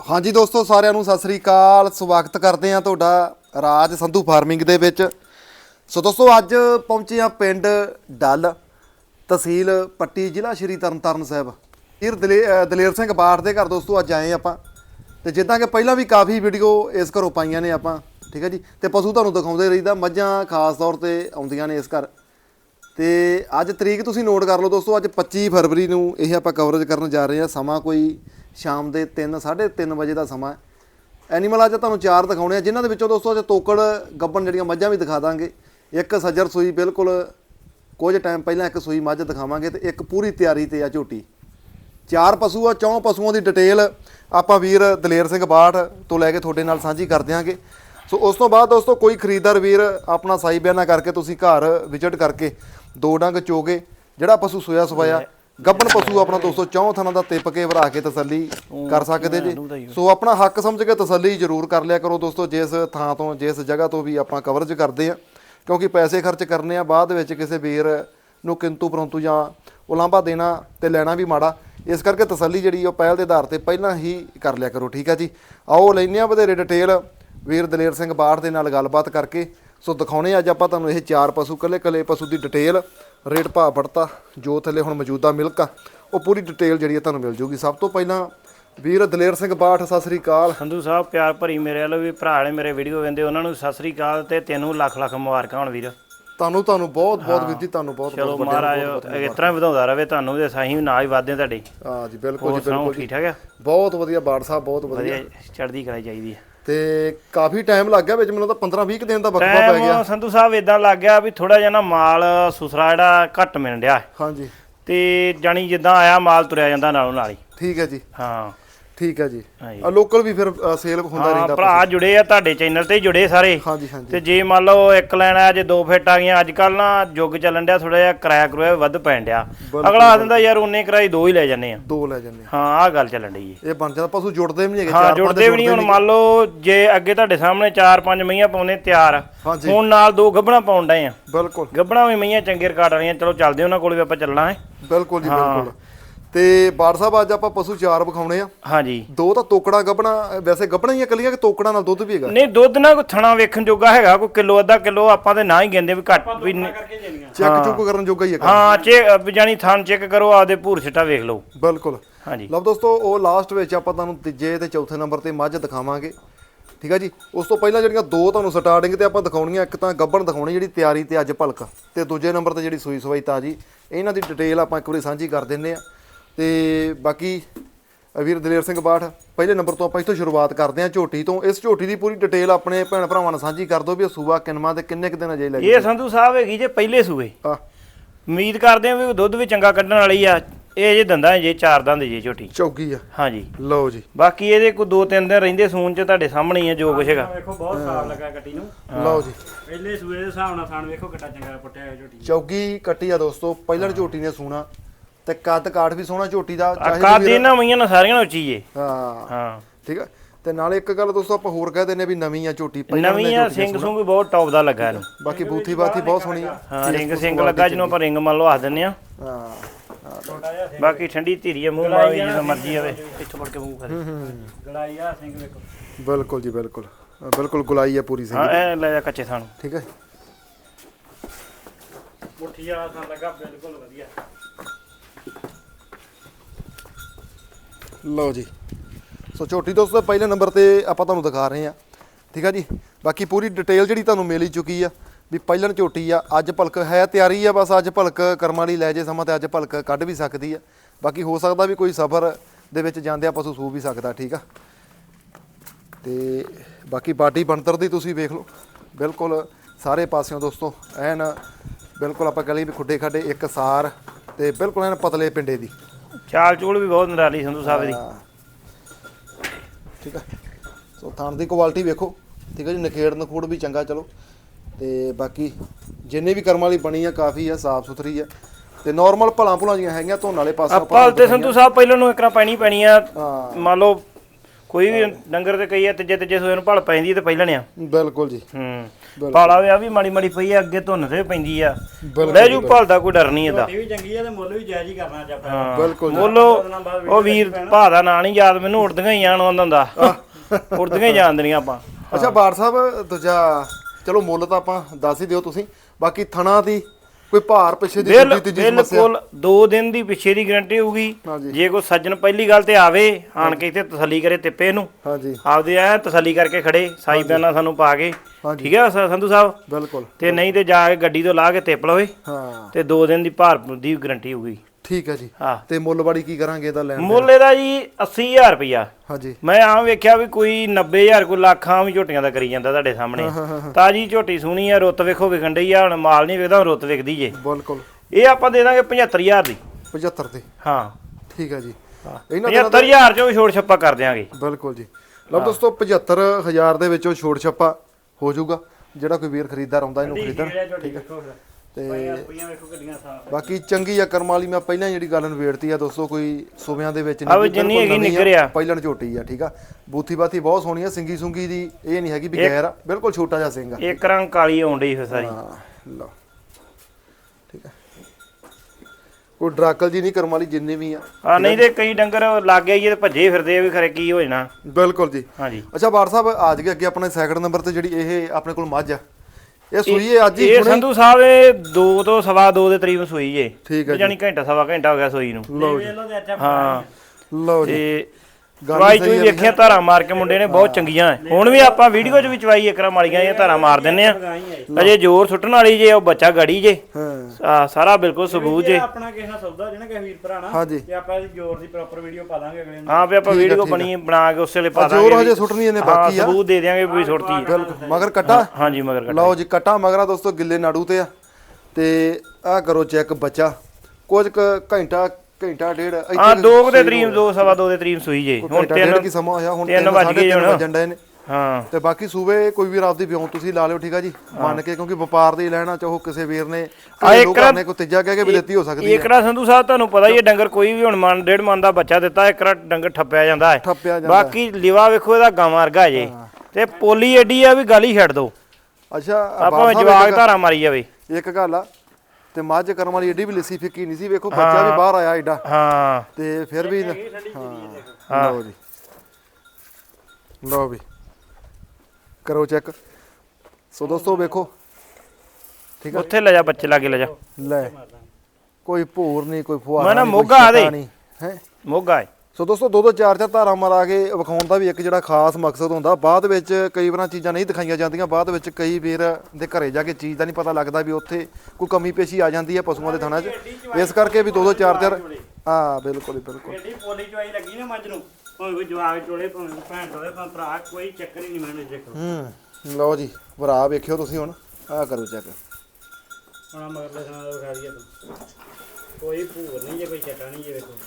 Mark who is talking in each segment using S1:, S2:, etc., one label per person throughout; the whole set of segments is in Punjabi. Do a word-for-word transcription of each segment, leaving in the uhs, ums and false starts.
S1: हाँ जी दोस्तों साਰਿਆਂ ਨੂੰ सत श्री अकाल स्वागत करते हैं ਤੁਹਾਡਾ ਰਾਜ ਸੰਧੂ ਫਾਰਮਿੰਗ ਦੇ ਵਿੱਚ। ਸੋ ਦੋਸਤੋ ਅੱਜ ਪਹੁੰਚੇ ਆ ਪਿੰਡ ਡੱਲ ਤਹਿਸੀਲ ਪੱਟੀ ਜ਼ਿਲ੍ਹਾ ਸ਼੍ਰੀ ਤਰਨਤਾਰਨ ਸਾਹਿਬ। ਵੀਰ ਦਲੇਰ ਸਿੰਘ ਬਾਠ ਦੇ ਘਰ ਦੋਸਤੋ ਅੱਜ ਆਏ ਆਪਾਂ ਤੇ ਜਿੱਦਾਂ ਕਿ ਪਹਿਲਾਂ ਵੀ ਕਾਫੀ ਵੀਡੀਓ ਇਸ ਘਰੋਂ ਪਾਈਆਂ ਨੇ ਆਪਾਂ, ਠੀਕ ਹੈ ਜੀ। ਤੇ ਪਸ਼ੂ ਤੁਹਾਨੂੰ ਦਿਖਾਉਂਦੇ ਰਹੀਦਾ, ਮੱਝਾਂ ਖਾਸ ਤੌਰ ਤੇ ਆਉਂਦੀਆਂ ਨੇ ਇਸ ਘਰ। ਤੇ ਅੱਜ ਤਰੀਕ ਤੁਸੀਂ ਨੋਟ ਕਰ ਲਓ ਦੋਸਤੋ, ਅੱਜ ਪੱਚੀ ਫਰਵਰੀ ਨੂੰ ਇਹ ਆਪਾਂ ਕਵਰੇਜ ਕਰਨ ਜਾ ਰਹੇ ਹਾਂ। ਸਮਾਂ ਕੋਈ ਸ਼ਾਮ ਦੇ ਤਿੰਨ ਸਾਢੇ ਤਿੰਨ ਵਜੇ ਦਾ ਸਮਾਂ। ਐਨੀਮਲ ਅੱਜ ਤੁਹਾਨੂੰ ਚਾਰ ਦਿਖਾਉਣੇ ਆ, ਜਿਨ੍ਹਾਂ ਦੇ ਵਿੱਚੋਂ ਦੋਸਤੋ ਅੱਜ ਤੋਕੜ ਗੱਬਣ ਜਿਹੜੀਆਂ ਮੱਝਾਂ ਵੀ ਦਿਖਾ ਦਾਂਗੇ। ਇੱਕ ਸੱਜਰ ਸੂਈ ਬਿਲਕੁਲ ਕੁਝ ਟਾਈਮ ਪਹਿਲਾਂ ਇੱਕ ਸੂਈ ਮੱਝ ਦਿਖਾਵਾਂਗੇ ਤੇ ਇੱਕ ਪੂਰੀ ਤਿਆਰੀ ਤੇ ਆ ਝੋਟੀ। ਚਾਰ ਪਸ਼ੂ ਆ, ਚੌਂ ਪਸ਼ੂਆਂ ਦੀ ਡਿਟੇਲ ਆਪਾਂ ਵੀਰ ਦਲੇਰ ਸਿੰਘ ਬਾਠ ਤੋਂ ਲੈ ਕੇ ਤੁਹਾਡੇ ਨਾਲ ਸਾਂਝੀ ਕਰ ਦਿਆਂਗੇ। ਸੋ ਉਸ ਤੋਂ ਬਾਅਦ ਦੋਸਤੋ ਕੋਈ ਖਰੀਦਦਾਰ ਵੀਰ ਆਪਣਾ ਸਾਈ ਬਿਆਨਾ ਕਰਕੇ ਤੁਸੀਂ ਘਰ ਵਿਜ਼ਿਟ ਕਰਕੇ ਦੋ ਡੰਗ ਚੋਗੇ ਜਿਹੜਾ ਪਸ਼ੂ ਸੋਇਆ ਸਵਾਇਆ ਗੱਬਣ ਪਸ਼ੂ ਆਪਣਾ ਦੋਸਤੋ ਚੌਂ ਥਾਂ ਦਾ ਤਿੱਪ ਕੇ ਵਰਾ ਕੇ ਤਸੱਲੀ ਕਰ ਸਕਦੇ ਜੀ। ਸੋ ਆਪਣਾ ਹੱਕ ਸਮਝ ਕੇ ਤਸੱਲੀ ਜ਼ਰੂਰ ਕਰ ਲਿਆ ਕਰੋ ਦੋਸਤੋ, ਜਿਸ ਥਾਂ ਤੋਂ ਜਿਸ ਜਗ੍ਹਾ ਤੋਂ ਵੀ ਆਪਾਂ ਕਵਰੇਜ ਕਰਦੇ ਆ, ਕਿਉਂਕਿ ਪੈਸੇ ਖਰਚ ਕਰਨੇ ਆ, ਬਾਅਦ ਵਿੱਚ ਕਿਸੇ ਵੀਰ ਨੂੰ ਕਿੰਤੂ ਪਰੰਤੂ ਜਾਂ ਉਲਾਂਭਾ ਦੇਣਾ ਤੇ ਲੈਣਾ ਵੀ ਮਾੜਾ। ਇਸ ਕਰਕੇ ਤਸੱਲੀ ਜਿਹੜੀ ਉਹ ਪਹਿਲ ਦੇ ਆਧਾਰ ਤੇ ਪਹਿਲਾਂ ਹੀ ਕਰ ਲਿਆ ਕਰੋ, ਠੀਕ ਆ ਜੀ। ਆਓ ਲੈਂਦੇ ਆ ਵਧੇਰੇ ਡਿਟੇਲ ਵੀਰ ਦਲੇਰ ਸਿੰਘ ਬਾਠ ਦੇ ਨਾਲ ਗੱਲਬਾਤ ਕਰਕੇ। ਸੋ ਦਿਖਾਉਣੇ ਅੱਜ ਆਪਾਂ ਤੁਹਾਨੂੰ ਇਹ ਚਾਰ ਪਸ਼ੂ ਕੱਲੇ ਕੱਲੇ ਪਸ਼ੂ ਦੀ ਡਿਟੇਲ, ਰੇਟ ਭਾਅ ਫੜਤਾ ਜੋ ਥੱਲੇ ਹੁਣ ਮੌਜੂਦਾ ਮਿਲਕ ਆ ਉਹ ਪੂਰੀ ਡਿਟੇਲ ਜਿਹੜੀ ਤੁਹਾਨੂੰ ਮਿਲ ਜੂਗੀ। ਸਭ ਤੋਂ ਪਹਿਲਾਂ ਵੀਰ ਦਲੇਰ ਸਿੰਘ ਬਾਠ ਸਤਿ ਸ੍ਰੀ ਅਕਾਲ।
S2: ਸੰਧੂ ਸਾਹਿਬ ਪਿਆਰ ਭਰੀ ਮੇਰੇ ਵੱਲੋਂ ਵੀ ਭਰਾ ਨੇ ਮੇਰੇ ਵੀਡੀਓ ਵੇਂਦੇ ਉਹਨਾਂ ਨੂੰ ਸਤਿ ਸ੍ਰੀ ਅਕਾਲ ਤੇ ਤੈਨੂੰ ਲੱਖ ਲੱਖ ਮੁਬਾਰਕਾਂ ਹੋਣ ਵੀਰ।
S1: ਤੁਹਾਨੂੰ ਤੁਹਾਨੂੰ ਬਹੁਤ ਬਹੁਤ ਵੀਰ ਜੀ, ਤੁਹਾਨੂੰ ਬਹੁਤ
S2: ਚਲੋ ਮਹਾਰਾਜ ਇਸ ਤਰ੍ਹਾਂ ਵਧਾਉਂਦਾ ਰਹੇ ਤੁਹਾਨੂੰ ਤੇ ਅਸੀਂ ਵੀ ਨਾਲ ਹੀ ਵਧਦੇ ਤੁਹਾਡੇ।
S1: ਹਾਂ ਜੀ ਬਿਲਕੁਲ ਜੀ ਬਿਲਕੁਲ
S2: ਠੀਕ ਠਾਕ ਆ,
S1: ਬਹੁਤ ਵਧੀਆ ਬਾਠ ਸਾਹਿਬ, ਬਹੁਤ ਵਧੀਆ
S2: ਚੜ੍ਹਦੀ ਕਰਾਈ ਚਾਹੀਦੀ ਹੈ।
S1: ਤੇ ਕਾਫੀ ਟਾਈਮ ਲੱਗ ਗਿਆ ਵਿੱਚ, ਮੈਨੂੰ ਤਾਂ ਪੰਦਰਾਂ ਵੀਹ ਦਿਨ ਦਾ ਵਕਫਾ ਪੈ ਗਿਆ
S2: ਸੰਧੂ ਸਾਹਿਬ। ਇਦਾਂ ਲੱਗ ਗਿਆ ਵੀ ਥੋੜਾ ਜਿਹਾ ਨਾ ਮਾਲ ਸੁਸਰਾ ਜਿਹੜਾ ਘੱਟ ਮਿਲ ਰਿਹਾ।
S1: ਹਾਂਜੀ
S2: ਤੇ ਜਾਣੀ ਜਿੱਦਾਂ ਆਇਆ ਮਾਲ ਤੁਰਿਆ ਜਾਂਦਾ ਨਾਲੋਂ ਨਾਲ ਹੀ।
S1: ਠੀਕ ਹੈ ਜੀ,
S2: ਹਾਂ
S1: ਠੀਕ ਹੈ ਜੀ। ਆ ਲੋਕਲ ਵੀ ਫਿਰ ਸੇਲ ਹੁੰਦਾ ਰਹਿੰਦਾ।
S2: ਭਰਾ ਜੁੜੇ ਆ ਤੁਹਾਡੇ ਚੈਨਲ ਤੇ ਜੁੜੇ ਸਾਰੇ।
S1: ਹਾਂਜੀ ਹਾਂਜੀ।
S2: ਤੇ ਜੇ ਮੰਨ ਲਓ ਇੱਕ ਲੈਣ ਆ ਜੇ ਦੋ ਫਿੱਟ ਆ ਗਈਆਂ, ਅੱਜ ਕੱਲ ਨਾ ਯੁੱਗ ਚੱਲਣ ਡਿਆ ਥੋੜਾ ਜਿਹਾ ਕਿਰਾਇਆ ਕਰੂਆ ਵੱਧ ਪੈਣ ਡਿਆ। ਅਗਲਾ ਆ ਦਿੰਦਾ ਯਾਰ ਉਹਨੇ ਕਿਰਾਏ ਦੋ ਹੀ ਲੈ ਜਾਂਦੇ ਆ, ਦੋ ਲੈ ਜਾਂਦੇ ਹਾਂ ਆਹ ਗੱਲ ਚੱਲਣ ਡਈ
S1: ਇਹ ਬਣ ਜਾਂਦਾ। ਪਸ਼ੂ ਜੁੜਦੇ ਵੀ ਨਹੀਂ ਹੈਗੇ,
S2: ਹਾਂ ਜੁੜਦੇ ਵੀ ਨਹੀਂ। ਹੁਣ ਮੰਨ ਲਓ ਜੇ ਅੱਗੇ ਤੁਹਾਡੇ ਸਾਹਮਣੇ ਚਾਰ ਪੰਜ ਮਈਆਂ ਪਾਉਣੇ ਤਿਆਰ, ਹੁਣ ਨਾਲ ਦੋ ਗੱਭਣਾ ਪਾਉਣ ਡਏ ਆ।
S1: ਬਿਲਕੁਲ
S2: ਗੱਭਣਾ ਵੀ ਮਈਆਂ ਚੰਗੇ ਰਿਕਾਰਡ ਵਾਲੀਆਂ, ਚਲੋ ਚੱਲਦੇ ਉਹਨਾਂ ਕੋਲ ਵੀ ਆਪਾਂ ਚੱਲਣਾ ਹੈ।
S1: ਬਿਲਕੁਲ ਜੀ ਬਿਲਕੁਲ। ਤੇ ਬਾਠ ਸਾਹਿਬ ਅੱਜ ਆਪਾਂ ਪਸ਼ੂ ਚਾਰ ਵਿਖਾਉਣੇ ਆ।
S2: ਹਾਂਜੀ
S1: ਦੋ ਤਾਂ ਤੋਕੜਾ ਗੱਭਣਾ, ਵੈਸੇ ਗੱਭਣਾ ਹੀ ਕੱਲੀਆਂ ਕਿ ਤੋਕੜਾ ਨਾਲ ਦੁੱਧ ਵੀ ਹੈਗਾ? ਨਹੀਂ
S2: ਦੁੱਧ ਨਾ ਕੋਈ ਥਣਾ ਵੇਖਣ ਜੋਗਾ ਹੈਗਾ, ਕੋਈ ਕਿਲੋ ਅੱਧਾ ਕਿਲੋ ਆਪਾਂ ਤੇ ਨਾ ਹੀ ਕਹਿੰਦੇ ਵੀ ਘੱਟ ਵੀ
S1: ਚੈੱਕ ਚੁੱਕ ਕਰਨ ਜੋਗਾ ਹੀ ਹੈਗਾ।
S2: ਹਾਂ ਚੈੱਕ ਜਾਨੀ ਥਣ ਚੈੱਕ ਕਰੋ, ਆਪਦੇ ਭੂਰ ਛਿੱਟਾ ਵੇਖ ਲਓ।
S1: ਬਿਲਕੁਲ
S2: ਹਾਂਜੀ
S1: ਲਓ ਦੋਸਤੋ, ਉਹ ਲਾਸਟ ਵਿੱਚ ਆਪਾਂ ਤੁਹਾਨੂੰ ਤੀਜੇ ਤੇ ਚੌਥੇ ਨੰਬਰ ਤੇ ਮੱਝ ਦਿਖਾਵਾਂਗੇ, ਠੀਕ ਆ ਜੀ। ਉਸ ਤੋਂ ਪਹਿਲਾਂ ਜਿਹੜੀਆਂ ਦੋ ਤੁਹਾਨੂੰ ਸਟਾਰਟਿੰਗ ਤੇ ਆਪਾਂ ਦਿਖਾਉਣੀਆਂ, ਇੱਕ ਤਾਂ ਗੱਭਣ ਦਿਖਾਉਣੀ ਜਿਹੜੀ ਤਿਆਰੀ ਤੇ ਅੱਜ ਭਲਕ, ਤੇ ਦੂਜੇ ਨੰਬਰ ਤੇ ਜਿਹੜੀ ਸੂਈ ਸਵਾਈ ਤਾਜੀ, ਇਹਨਾਂ ਦੀ ਡਿਟੇਲ ਆਪਾਂ ਇੱਕ ਵਾਰੀ ਸਾਂਝੀ ਕਰ ਦਿੰਦੇ ਆ। ਤੇ ਬਾਕੀ ਵੀਰ ਦਲੇਰ ਸਿੰਘ ਬਾਠ ਪਹਿਲੇ ਨੰਬਰ ਤੋਂ ਆਪਾਂ ਇੱਥੋਂ ਸ਼ੁਰੂਆਤ ਕਰਦੇ ਹਾਂ ਝੋਟੀ ਤੋਂ। ਇਸ ਝੋਟੀ ਦੀ ਪੂਰੀ ਡਿਟੇਲ ਆਪਣੇ ਭੈਣ ਭਰਾਵਾਂ ਨਾਲ ਸਾਂਝੀ ਕਰ ਦਿਓ ਵੀ ਇਹ ਸੂਬਾ ਕਿੰਨਵਾਂ ਤੇ ਕਿੰਨੇ ਕੁ ਦਿਨ ਅਜੇ ਲੱਗੇ।
S2: ਇਹ ਸੰਧੂ ਸਾਹਿਬ ਹੈਗੀ ਜੇ ਪਹਿਲੇ ਸੂਏ, ਉਮੀਦ ਕਰਦੇ ਆ ਵੀ ਦੁੱਧ ਵੀ ਚੰਗਾ ਕੱਢਣ ਵਾਲੀ ਆ। ਇਹ ਜੇ ਦੰਦਾਂ ਜੇ ਚਾਰ ਦੰਦ ਜੇ ਝੋਟੀ
S1: ਚੌਗੀ ਆ।
S2: ਹਾਂਜੀ
S1: ਲਓ ਜੀ,
S2: ਬਾਕੀ ਇਹਦੇ ਕੋਈ ਦੋ ਤਿੰਨ ਦਿਨ ਰਹਿੰਦੇ ਸੂਣ ਚ ਤੁਹਾਡੇ ਸਾਹਮਣੇ ਹੀ ਆ ਜੋ ਕੁਛ ਹੈਗਾ। ਵੇਖੋ ਬਹੁਤ ਸਾਫ ਲੱਗਾ ਕੱਟੀ ਨੂੰ।
S1: ਲਓ ਜੀ
S2: ਪਹਿਲੇ ਸੂਏ ਦੇ ਹਿਸਾਬ ਨਾਲ ਥਣ ਵੇਖੋ ਕਿੱਡਾ ਚੰਗਾ ਪੁੱਟਿਆ ਹੋਇਆ ਝੋਟੀ।
S1: ਚੌਗੀ ਕੱਟੀ ਆ ਦੋਸਤੋ, ਪਹਿਲਣ ਝੋਟੀ ਨੇ ਸੂਣਾ ਤੇ ਕੱਦ ਕਾਠ ਵੀ ਸੋਹਣਾ ਝੋਟੀ ਦਾ।
S2: ਕੱਦ ਇਹਨਾਂ ਮਈਆਂ ਨਾਲ ਸਾਰੀਆਂ ਨਾਲ ਉੱਚੀ ਏ।
S1: ਹਾਂ
S2: ਹਾਂ
S1: ਠੀਕ ਆ। ਤੇ ਨਾਲੇ ਇੱਕ ਗੱਲ ਦੋਸਤੋ ਆਪਾਂ ਹੋਰ ਕਹਿ ਦਿੰਨੇ ਵੀ ਨਵੀਂ ਆ ਝੋਟੀ,
S2: ਨਵੀਂ ਆ। ਸਿੰਘ ਸੁੰਗ ਵੀ ਬਹੁਤ ਟੌਪ ਦਾ ਲੱਗਾ ਇਹਨੂੰ।
S1: ਬਾਕੀ ਬੂਥੀ ਬਾਥੀ ਬਹੁਤ ਸੋਹਣੀ ਆ।
S2: ਹਾਂ ਰਿੰਗ ਸਿੰਘ ਲੱਗਾ ਜਿਹਨੂੰ ਆਪਾਂ ਰਿੰਗ ਮੰਨ ਲਓ ਆਖ ਦਿੰਨੇ ਆ।
S1: ਹਾਂ
S2: ਬਾਕੀ ਠੰਡੀ ਧੀਰੀ ਆ, ਮੂੰਹ ਮਾਵੇ ਜਦੋਂ ਮਰਜੀ ਆਵੇ ਇੱਥੋਂ ਫੜ ਕੇ ਮੂੰਹ ਕਰੇ। ਗਲਾਈ ਆ ਸਿੰਘ ਵੇਖੋ।
S1: ਬਿਲਕੁਲ ਜੀ ਬਿਲਕੁਲ ਬਿਲਕੁਲ ਗੁਲਾਈ ਆ ਪੂਰੀ ਸਿੰਘ।
S2: ਹਾਂ ਐ ਲੈ ਜਾ ਕੱਚੇ ਥਾਂ,
S1: ਠੀਕ ਹੈ।
S2: ਮੁੱਠੀ ਵਾਲਾ ਥਾਂ ਲੱਗਾ ਬਿਲਕੁਲ ਵਧੀਆ।
S1: ਲਓ ਜੀ, ਸੋ ਝੋਟੀ ਦੋਸਤੋ ਪਹਿਲੇ ਨੰਬਰ ਤੇ ਆਪਾਂ ਤੁਹਾਨੂੰ ਦਿਖਾ ਰਹੇ ਆ, ਠੀਕ ਆ ਜੀ। ਬਾਕੀ ਪੂਰੀ ਡਿਟੇਲ ਜਿਹੜੀ ਤੁਹਾਨੂੰ ਮਿਲ ਹੀ ਚੁੱਕੀ ਆ ਵੀ ਪਹਿਲਣ ਝੋਟੀ ਆ। ਅੱਜ ਭਲਕ ਹੈ ਤਿਆਰੀ ਆ, ਬਸ ਅੱਜ ਭਲਕ ਕਰਮਾਂ ਲਈ ਲੈ ਜੇ ਸਮਾਂ ਤੇ ਅੱਜ ਭਲਕ ਕੱਢ ਵੀ ਸਕਦੀ ਆ। ਬਾਕੀ ਹੋ ਸਕਦਾ ਵੀ ਕੋਈ ਸਫ਼ਰ ਦੇ ਵਿੱਚ ਜਾਂਦਿਆਂ ਪਸ਼ੂ ਸੂ ਵੀ ਸਕਦਾ, ਠੀਕ ਆ। ਤੇ ਬਾਕੀ ਬਾਡੀ ਬਣਤਰ ਦੀ ਤੁਸੀਂ ਵੇਖ ਲਓ, ਬਿਲਕੁਲ ਸਾਰੇ ਪਾਸਿਓਂ ਦੋਸਤੋ ਐਨ ਬਿਲਕੁਲ ਆਪਾਂ ਕਹ ਲਈ ਵੀ ਖੁੱਡੇ ਖਾਡੇ ਇੱਕ ਸਾਰ ਤੇ ਬਿਲਕੁਲ ਐਨ ਪਤਲੇ ਪਿੰਡੇ ਦੀ।
S2: ਚਾਲ ਚੂਲ ਵੀ ਬਹੁਤ ਨਰਾਲੀ ਸੰਧੂ ਸਾਹਿਬ ਦੀ,
S1: ਠੀਕ ਆ। ਸੋ ਥਣ ਦੀ ਕੁਆਲਿਟੀ ਵੇਖੋ, ਠੀਕ ਹੈ ਜੀ। ਨਖੇੜ ਨਖੂੜ ਵੀ ਚੰਗਾ ਚਲੋ। ਤੇ ਬਾਕੀ ਜਿੰਨੇ ਵੀ ਕਰਮਾਂ ਵਾਲੀ ਬਣੀ ਆ ਕਾਫੀ ਆ, ਸਾਫ ਸੁਥਰੀ ਆ ਤੇ ਨਾਰਮਲ ਭਲਾਂ ਭੁਲਾਂ ਜੀਆਂ ਹੈਗੀਆਂ। ਧੋਣ ਵਾਲੇ ਪਾਸੇ
S2: ਆਪਾਂ ਤੇ ਸੰਧੂ ਸਾਹਿਬ ਪਹਿਲਾਂ ਨੂੰ ਇਕਰਾ ਪੈਣੀ ਪੈਣੀ ਆ। ਮੰਨ ਲਓ ਕੋਈ ਵੀ ਡੰਗਰ ਤੇ ਕਈ ਆ ਤੀਜੇ ਤੀਜੇ ਸੋਏ ਨੂੰ ਭਲ ਪੈਂਦੀ ਤੇ ਪਹਿਲਾਂ ਨੇ ਆ।
S1: ਬਿਲਕੁਲ ਜੀ।
S2: ਹੂੰ ਪਾਲਾ ਵੇ ਆ ਵੀ ਮਾੜੀ ਮਾੜੀ ਪਈ ਆ ਅੱਗੇ ਧੁੰਨ ਤੇ ਪੈਂਦੀ ਆ ਲੈ ਜੂ ਭਾਲਦਾ ਕੋਈ ਡਰ ਨਹੀਂ ਇਹਦਾ
S3: ਵੀ ਚੰਗੀ ਆ ਤੇ ਮੁੱਲ ਵੀ ਜਾਇਜ਼ ਹੀ ਕਰਨਾ ਚਾਹੀਦਾ
S2: ਹਾਂ
S1: ਬਿਲਕੁਲ
S2: ਮੁੱਲ ਉਹ ਵੀਰ ਭਾ ਦਾ ਨਾਂ ਨਹੀਂ ਯਾਦ ਮੈਨੂੰ ਉੜਦੀਆਂ ਹੀ ਆਣ ਆਉਂਦਾ ਹੁੰਦਾ ਉੜਦੀਆਂ ਹੀ ਜਾਣ ਦੇਣੀਆਂ ਆਪਾਂ
S1: ਅੱਛਾ ਬਾੜ ਸਾਹਿਬ ਦੂਜਾ ਚਲੋ ਮੁੱਲ ਤਾਂ ਆਪਾਂ ਦੱਸ ਹੀ ਦਿਓ ਤੁਸੀਂ ਬਾਕੀ ਥਣਾ ਦੀ ਕੋਈ ਭਾਰ ਪਿੱਛੇ ਦੀ ਛੋਟੀ ਤੀਜੀ ਸਮੱਸਿਆ
S2: ਬਿਲਕੁਲ ਦੋ ਦਿਨ ਦੀ ਪਿੱਛੇ ਦੀ ਗਾਰੰਟੀ ਹੋਊਗੀ ਜੇ ਕੋਈ ਸੱਜਣ ਪਹਿਲੀ ਗੱਲ ਤੇ ਆਵੇ ਆਣ ਕੇ ਇੱਥੇ ਤਸੱਲੀ ਕਰੇ ਤਿੱਪੇ ਨੂੰ
S1: ਹਾਂਜੀ
S2: ਆਪਦੇ ਐ ਤਸੱਲੀ ਕਰਕੇ ਖੜੇ ਸਾਈ ਪੈਨਾ ਸਾਨੂੰ ਪਾ ਕੇ ਠੀਕ ਹੈ ਸੰਧੂ ਸਾਹਿਬ
S1: ਬਿਲਕੁਲ
S2: ਤੇ ਨਹੀਂ ਤੇ ਜਾ ਕੇ ਗੱਡੀ ਤੋਂ ਲਾ ਕੇ ਤਿੱਪ ਲਵੇ
S1: ਹਾਂ
S2: ਤੇ ਦੋ ਦਿਨ ਦੀ ਭਾਰ ਦੀ ਗਾਰੰਟੀ ਹੋਊਗੀ
S1: ਠੀਕ ਹੈ ਜੀ
S2: ਹਾਂ
S1: ਤੇ ਮੁੱਲ ਵਾੜੀ ਕੀ ਕਰਾਂਗੇ ਇਹਦਾ ਲੈਣ
S2: ਮੁੱਲ ਇਹਦਾ ਜੀ ਅੱਸੀ ਹਜ਼ਾਰ ਰੁਪਇਆ
S1: ਹਾਂਜੀ
S2: ਮੈਂ ਆਮ ਵੇਖਿਆ ਵੀ ਕੋਈ ਨੱਬੇ ਹਜ਼ਾਰ ਕੋਈ ਲੱਖਾਂ ਵੀ ਝੋਟੀਆਂ ਦਾ ਕਰੀ ਜਾਂਦਾ ਤੁਹਾਡੇ ਸਾਹਮਣੇ ਤਾਜੀ ਝੋਟੀ ਸੋਹਣੀ ਆ ਰੁੱਤ ਵੇਖੋ ਵਿਕਣ ਡਈ ਆ ਹੁਣ ਮਾਲ ਨਹੀਂ ਵੇਖਦਾ ਰੁੱਤ ਵਿਕਦੀ ਜੇ
S1: ਬਿਲਕੁਲ
S2: ਇਹ ਆਪਾਂ ਦੇ ਦਾਂਗੇ ਪਝੱਤਰ ਹਜ਼ਾਰ ਦੀ
S1: ਪਝੱਤਰ ਤੇ
S2: ਹਾਂ
S1: ਠੀਕ ਹੈ ਜੀ
S2: ਪਝੱਤਰ ਹਜ਼ਾਰ ਚੋਂ ਛੋੜ ਛੱਪਾ ਕਰ ਦਿਆਂਗੇ
S1: ਬਿਲਕੁਲ ਜੀ ਲਓ ਦੋਸਤੋ ਪਝੱਤਰ ਹਜ਼ਾਰ ਦੇ ਵਿੱਚੋਂ ਛੋੜ ਛੱਪਾ ਹੋ ਜਾਊਗਾ ਜਿਹੜਾ ਕੋਈ ਵੀਰ ਖਰੀਦਦਾਰ ਆਉਂਦਾ ਇਹਨੂੰ ਖਰੀਦਣ ਠੀਕ ਹੈ ਤੇ ਬਾਕੀ ਚੰਗੀ ਆ ਕਰਮ ਵਾਲੀ ਮੈਂ ਪਹਿਲਾਂ ਜਿਹੜੀ ਗੱਲ ਨਵੇੜਤੀ ਆ ਦੋਸਤੋ ਕੋਈ ਸੁਬਿਆਂ ਦੇ ਵਿੱਚ
S2: ਨਹੀਂ ਜਿੰਨੀ ਹੈਗੀ ਨਿਕਰਿਆ
S1: ਪਹਿਲਾਂ ਝੋਟੀ ਆ ਠੀਕ ਆ ਬੂਥੀ ਬਾਥੀ ਬਹੁਤ ਸੋਹਣੀ ਆ ਸਿੰਗੀ ਸੁੰਗੀ ਦੀ ਇਹ ਨਹੀਂ ਹੈਗੀ ਵੀ ਗੈਰ ਆ ਬਿਲਕੁਲ ਛੋਟਾ ਜਿਹਾ ਸਿੰਘ ਆ
S2: ਇੱਕ ਰੰਗ ਕਾਲੀ ਆਉਣ ਡਈ ਫਿਰ ਸਾਰੀ
S1: ਹਾਂ ਲਓ ਠੀਕ ਆ ਕੋਈ ਡਰਾਕਲ ਜੀ ਨਹੀਂ ਕਰਮ ਵਾਲੀ ਜਿੰਨੇ ਵੀ ਆ
S2: ਆ ਨਹੀਂ ਤੇ ਕਈ ਡੰਗਰ ਲੱਗ ਗਏ ਤੇ ਭੱਜੇ ਫਿਰਦੇ ਆ ਵੀ ਖਰੇ ਕੀ ਹੋ ਜਾਣਾ
S1: ਬਿਲਕੁਲ ਜੀ
S2: ਹਾਂਜੀ
S1: ਅੱਛਾ ਬਾੜ ਸਾਹਿਬ ਆ ਜਗੇ ਅੱਗੇ ਆਪਣੇ ਸੈਕਿੰਡ ਨੰਬਰ ਤੇ ਜਿਹੜੀ ਇਹ ਆਪਣੇ ਕੋਲ ਮੱਝ ਆ ਇਹ ਸੂਈ ਹੈ ਅੱਜ ਹੀ
S2: ਇਹ ਸੰਧੂ ਸਾਹਿਬ ਇਹ ਦੋ ਤੋਂ ਸਵਾ ਦੋ ਦੇ ਤਰੀਕ ਸੂਈ ਜੇ
S1: ਠੀਕ ਹੈ
S2: ਜਾਨੀ ਘੰਟਾ ਸਵਾ ਘੰਟਾ ਹੋ ਗਿਆ ਸੂਈ ਨੂੰ
S1: ਲਓ ਜੀ
S2: ਹਾਂ
S1: ਲਓ ਜੀ
S2: ਤੇ ਚਵਾਈ ਚੂਈ ਵੇਖਿਆ ਧਾਰਾ ਮਾਰ ਕੇ ਮੁੰਡੇ ਨੇ ਬਹੁਤ ਚੰਗੀਆਂ ਹੁਣ ਵੀ ਆਪਾਂ ਵੀਡੀਓ 'ਚ ਵੀ ਚਵਾਈ ਇੱਕ ਰਾਂ ਮਾਰੀਆਂ ਇਹ ਧਾਰਾ ਮਾਰ ਦਿੰਨੇ ਆ ਅਜੇ ਜ਼ੋਰ ਸੁੱਟਣ ਵਾਲੀ ਜੇ ਉਹ ਬੱਚਾ ਗੜੀ ਜੇ
S1: ਹਾਂ
S2: ਸਾਰਾ ਬਿਲਕੁਲ ਸਬੂਤ ਜੇ
S3: ਆਪਣਾ ਕਿਸੇ ਨਾਲ ਸੌਦਾ ਜਿਹੜਾ ਕਿਸੇ ਵੀਰ ਭਰਾ ਨਾਲ
S1: ਹਾਂਜੀ
S3: ਤੇ ਆਪਾਂ ਇਹਦੀ ਜ਼ੋਰ ਦੀ ਪ੍ਰੋਪਰ ਵੀਡੀਓ ਪਾ ਦਾਂਗੇ ਅਗਲੇ ਨੂੰ
S2: ਹਾਂ ਵੀ ਆਪਾਂ ਵੀਡੀਓ ਬਣੀ ਬਣਾ ਕੇ ਉਸੇ ਵੇਲੇ ਪਾ ਦਾਂਗੇ
S1: ਜ਼ੋਰ ਹਜੇ ਸੁੱਟਣੀ ਇਹਨੇ ਬਾਕੀ ਆ
S2: ਸਬੂਤ ਦੇ ਦਿਆਂਗੇ ਵੀ ਸੁੱਟਤੀ
S1: ਬਿਲਕੁਲ ਮਗਰ ਕੱਟਾ
S2: ਹਾਂਜੀ ਮਗਰ ਕੱਟਾ
S1: ਲਓ ਜੀ ਕੱਟਾ ਮਗਰਾ ਦੋਸਤੋ ਗਿੱਲੇ ਨਾੜੂ ਤੇ ਆ ਤੇ ਆ ਕਰੋ ਚੈੱਕ ਬੱਚਾ ਕੁਝ ਘੰਟਾ ਘੰਟਾ ਡੇਢ
S2: ਹਾਂ ਦੋ ਦੇ ਤਰੀਮ ਦੋ ਸਵਾ ਦੋ ਦੇ ਤਰੀਮ ਸੂਈ ਜੇ
S1: ਹੁਣ ਤਿੰਨ ਕੀ ਸਮਾਂ ਹੋਇਆ ਹੁਣ
S2: ਤਿੰਨ ਵੱਜ ਗਏ ਹੁਣ
S1: ਏਜੰਡਾ ਨੇ
S2: ਹਾਂ
S1: ਤੇ ਬਾਕੀ ਸੂਬੇ ਕੋਈ ਵੀ ਆਪਦੀ ਵਿਉਂ ਤੁਸੀਂ ਲਾ ਲਿਓ ਠੀਕ ਆ ਜੀ ਮੰਨ ਕੇ ਕਿਉਂਕਿ ਵਪਾਰ ਦੇ ਲੈਣਾ ਚਾਹੋ ਕਿਸੇ ਵੀਰ ਨੇ ਲੋਕਾਂ ਨੇ ਕੋਈ ਤੀਜਾ ਕਹਿ ਕੇ ਵੀ ਦਿੱਤੀ ਹੋ ਸਕਦੀ ਹੈ
S2: ਇਕੜਾ ਸੰਧੂ ਸਾਹਿਬ ਤੁਹਾਨੂੰ ਪਤਾ ਹੀ ਹੈ ਡੰਗਰ ਕੋਈ ਵੀ ਹੁਣ ਮਨ ਡੇਢ ਮਨ ਦਾ ਬੱਚਾ ਦਿੱਤਾ ਇਕੜਾ ਡੰਗਰ ਠੱਪਿਆ ਜਾਂਦਾ ਹੈ
S1: ਠੱਪਿਆ ਜਾਂਦਾ
S2: ਬਾਕੀ ਲਿਵਾ ਵੇਖੋ ਇਹਦਾ ਗਾਂ ਵਰਗਾ ਜੇ ਤੇ ਪੋਲੀ ਏਡੀ ਆ ਵੀ ਗੱਲ ਹੀ ਛੱਡ ਦੋ
S1: ਅੱਛਾ
S2: ਆਪਾਂ ਜਵਾਗ ਧਾਰਾ ਮਾਰੀ ਜਾਵੇ
S1: ਇੱਕ ਗੱਲ ਆ ਤੇ ਮੱਝ ਕਰਮ ਵਾਲੀ ਏਡੀ ਵੀ ਲਿੱਸੀ ਫਿੱਕੀ ਨਹੀਂ ਸੀ ਵੇਖੋ ਬੱਚਾ ਵੀ ਬਾਹਰ ਆਇਆ ਏਡਾ
S2: ਹਾਂ
S1: ਤੇ ਫਿਰ ਵੀ ਹਾਂ ਲਓ ਜੀ ਲਓ ਵੀ ਕਰੋ ਚੈੱਕ ਸੋ ਦੋਸਤੋ ਵੇਖੋ ਠੀਕ ਆ
S2: ਉੱਥੇ ਲੈ ਜਾ ਬੱਚੇ ਲਾਗੇ ਲੈ ਜਾ
S1: ਲੈ ਕੋਈ ਭੂਰ ਨਹੀਂ ਕੋਈ ਫੁਹਾਰਾ
S2: ਮੈਂ ਨਾ
S1: ਨਹੀਂ,
S2: ਮੋਗਾ
S1: ਕੋਈ
S2: ਆ ਦੇ।
S1: ਛਿੱਟਾ ਨਹੀਂ ਹੈ
S2: ਮੋਗਾ ਹੈ
S1: ਸੋ ਦੋਸਤੋ ਦੋ ਦੋ ਚਾਰ ਚਾਰ ਧਾਰਾਂ ਮਾਰਾ ਕੇ ਵਿਖਾਉਣ ਦਾ ਵੀ ਇੱਕ ਜਿਹੜਾ ਖਾਸ ਮਕਸਦ ਹੁੰਦਾ ਬਾਅਦ ਵਿੱਚ ਕਈ ਵਾਰਾਂ ਚੀਜ਼ਾਂ ਨਹੀਂ ਦਿਖਾਈਆਂ ਜਾਂਦੀਆਂ ਬਾਅਦ ਵਿੱਚ ਕਈ ਵੀਰ ਦੇ ਘਰੇ ਜਾ ਕੇ ਚੀਜ਼ ਦਾ ਨਹੀਂ ਪਤਾ ਲੱਗਦਾ ਵੀ ਉੱਥੇ ਕੋਈ ਕਮੀ ਪੇਸ਼ੀ ਆ ਜਾਂਦੀ ਹੈ ਪਸ਼ੂਆਂ ਦੇ ਥਾਣਾ 'ਚ ਇਸ ਕਰਕੇ ਵੀ ਦੋ ਦੋ ਚਾਰ ਚਾਰ ਹਾਂ ਬਿਲਕੁਲ ਹੀ ਬਿਲਕੁਲ
S3: ਏਡੀ ਪੋਲੀ ਚਵਾਈ ਲੱਗੀ ਨਾ ਮੱਝ ਨੂੰ ਭਾਵੇਂ ਕੋਈ ਜਵਾਗ ਚੋਲੇ ਭਾਵੇਂ ਭੈਣ ਚੋਲੇ ਭਾਵੇਂ ਭਰਾ ਕੋਈ ਚੱਕਰ ਹੀ ਨਹੀਂ ਮੈਨੂੰ ਦੇਖੋ
S1: ਹੂੰ ਲਓ ਜੀ ਭਰਾ ਵੇਖਿਓ ਤੁਸੀਂ ਹੁਣ ਆਹ ਕਰੋ ਚੈੱਕ
S3: ਹੁਣ ਮਗਰਲੇ ਸਨਾਂ ਦਾ ਵਿਖਾ ਦਈਏ ਤੂੰ ਕੋਈ ਭੂਰ ਨਹੀਂ ਜੇ ਕੋਈ ਚੱਟਾ ਨਹੀਂ ਜੇ ਵੇਖੋ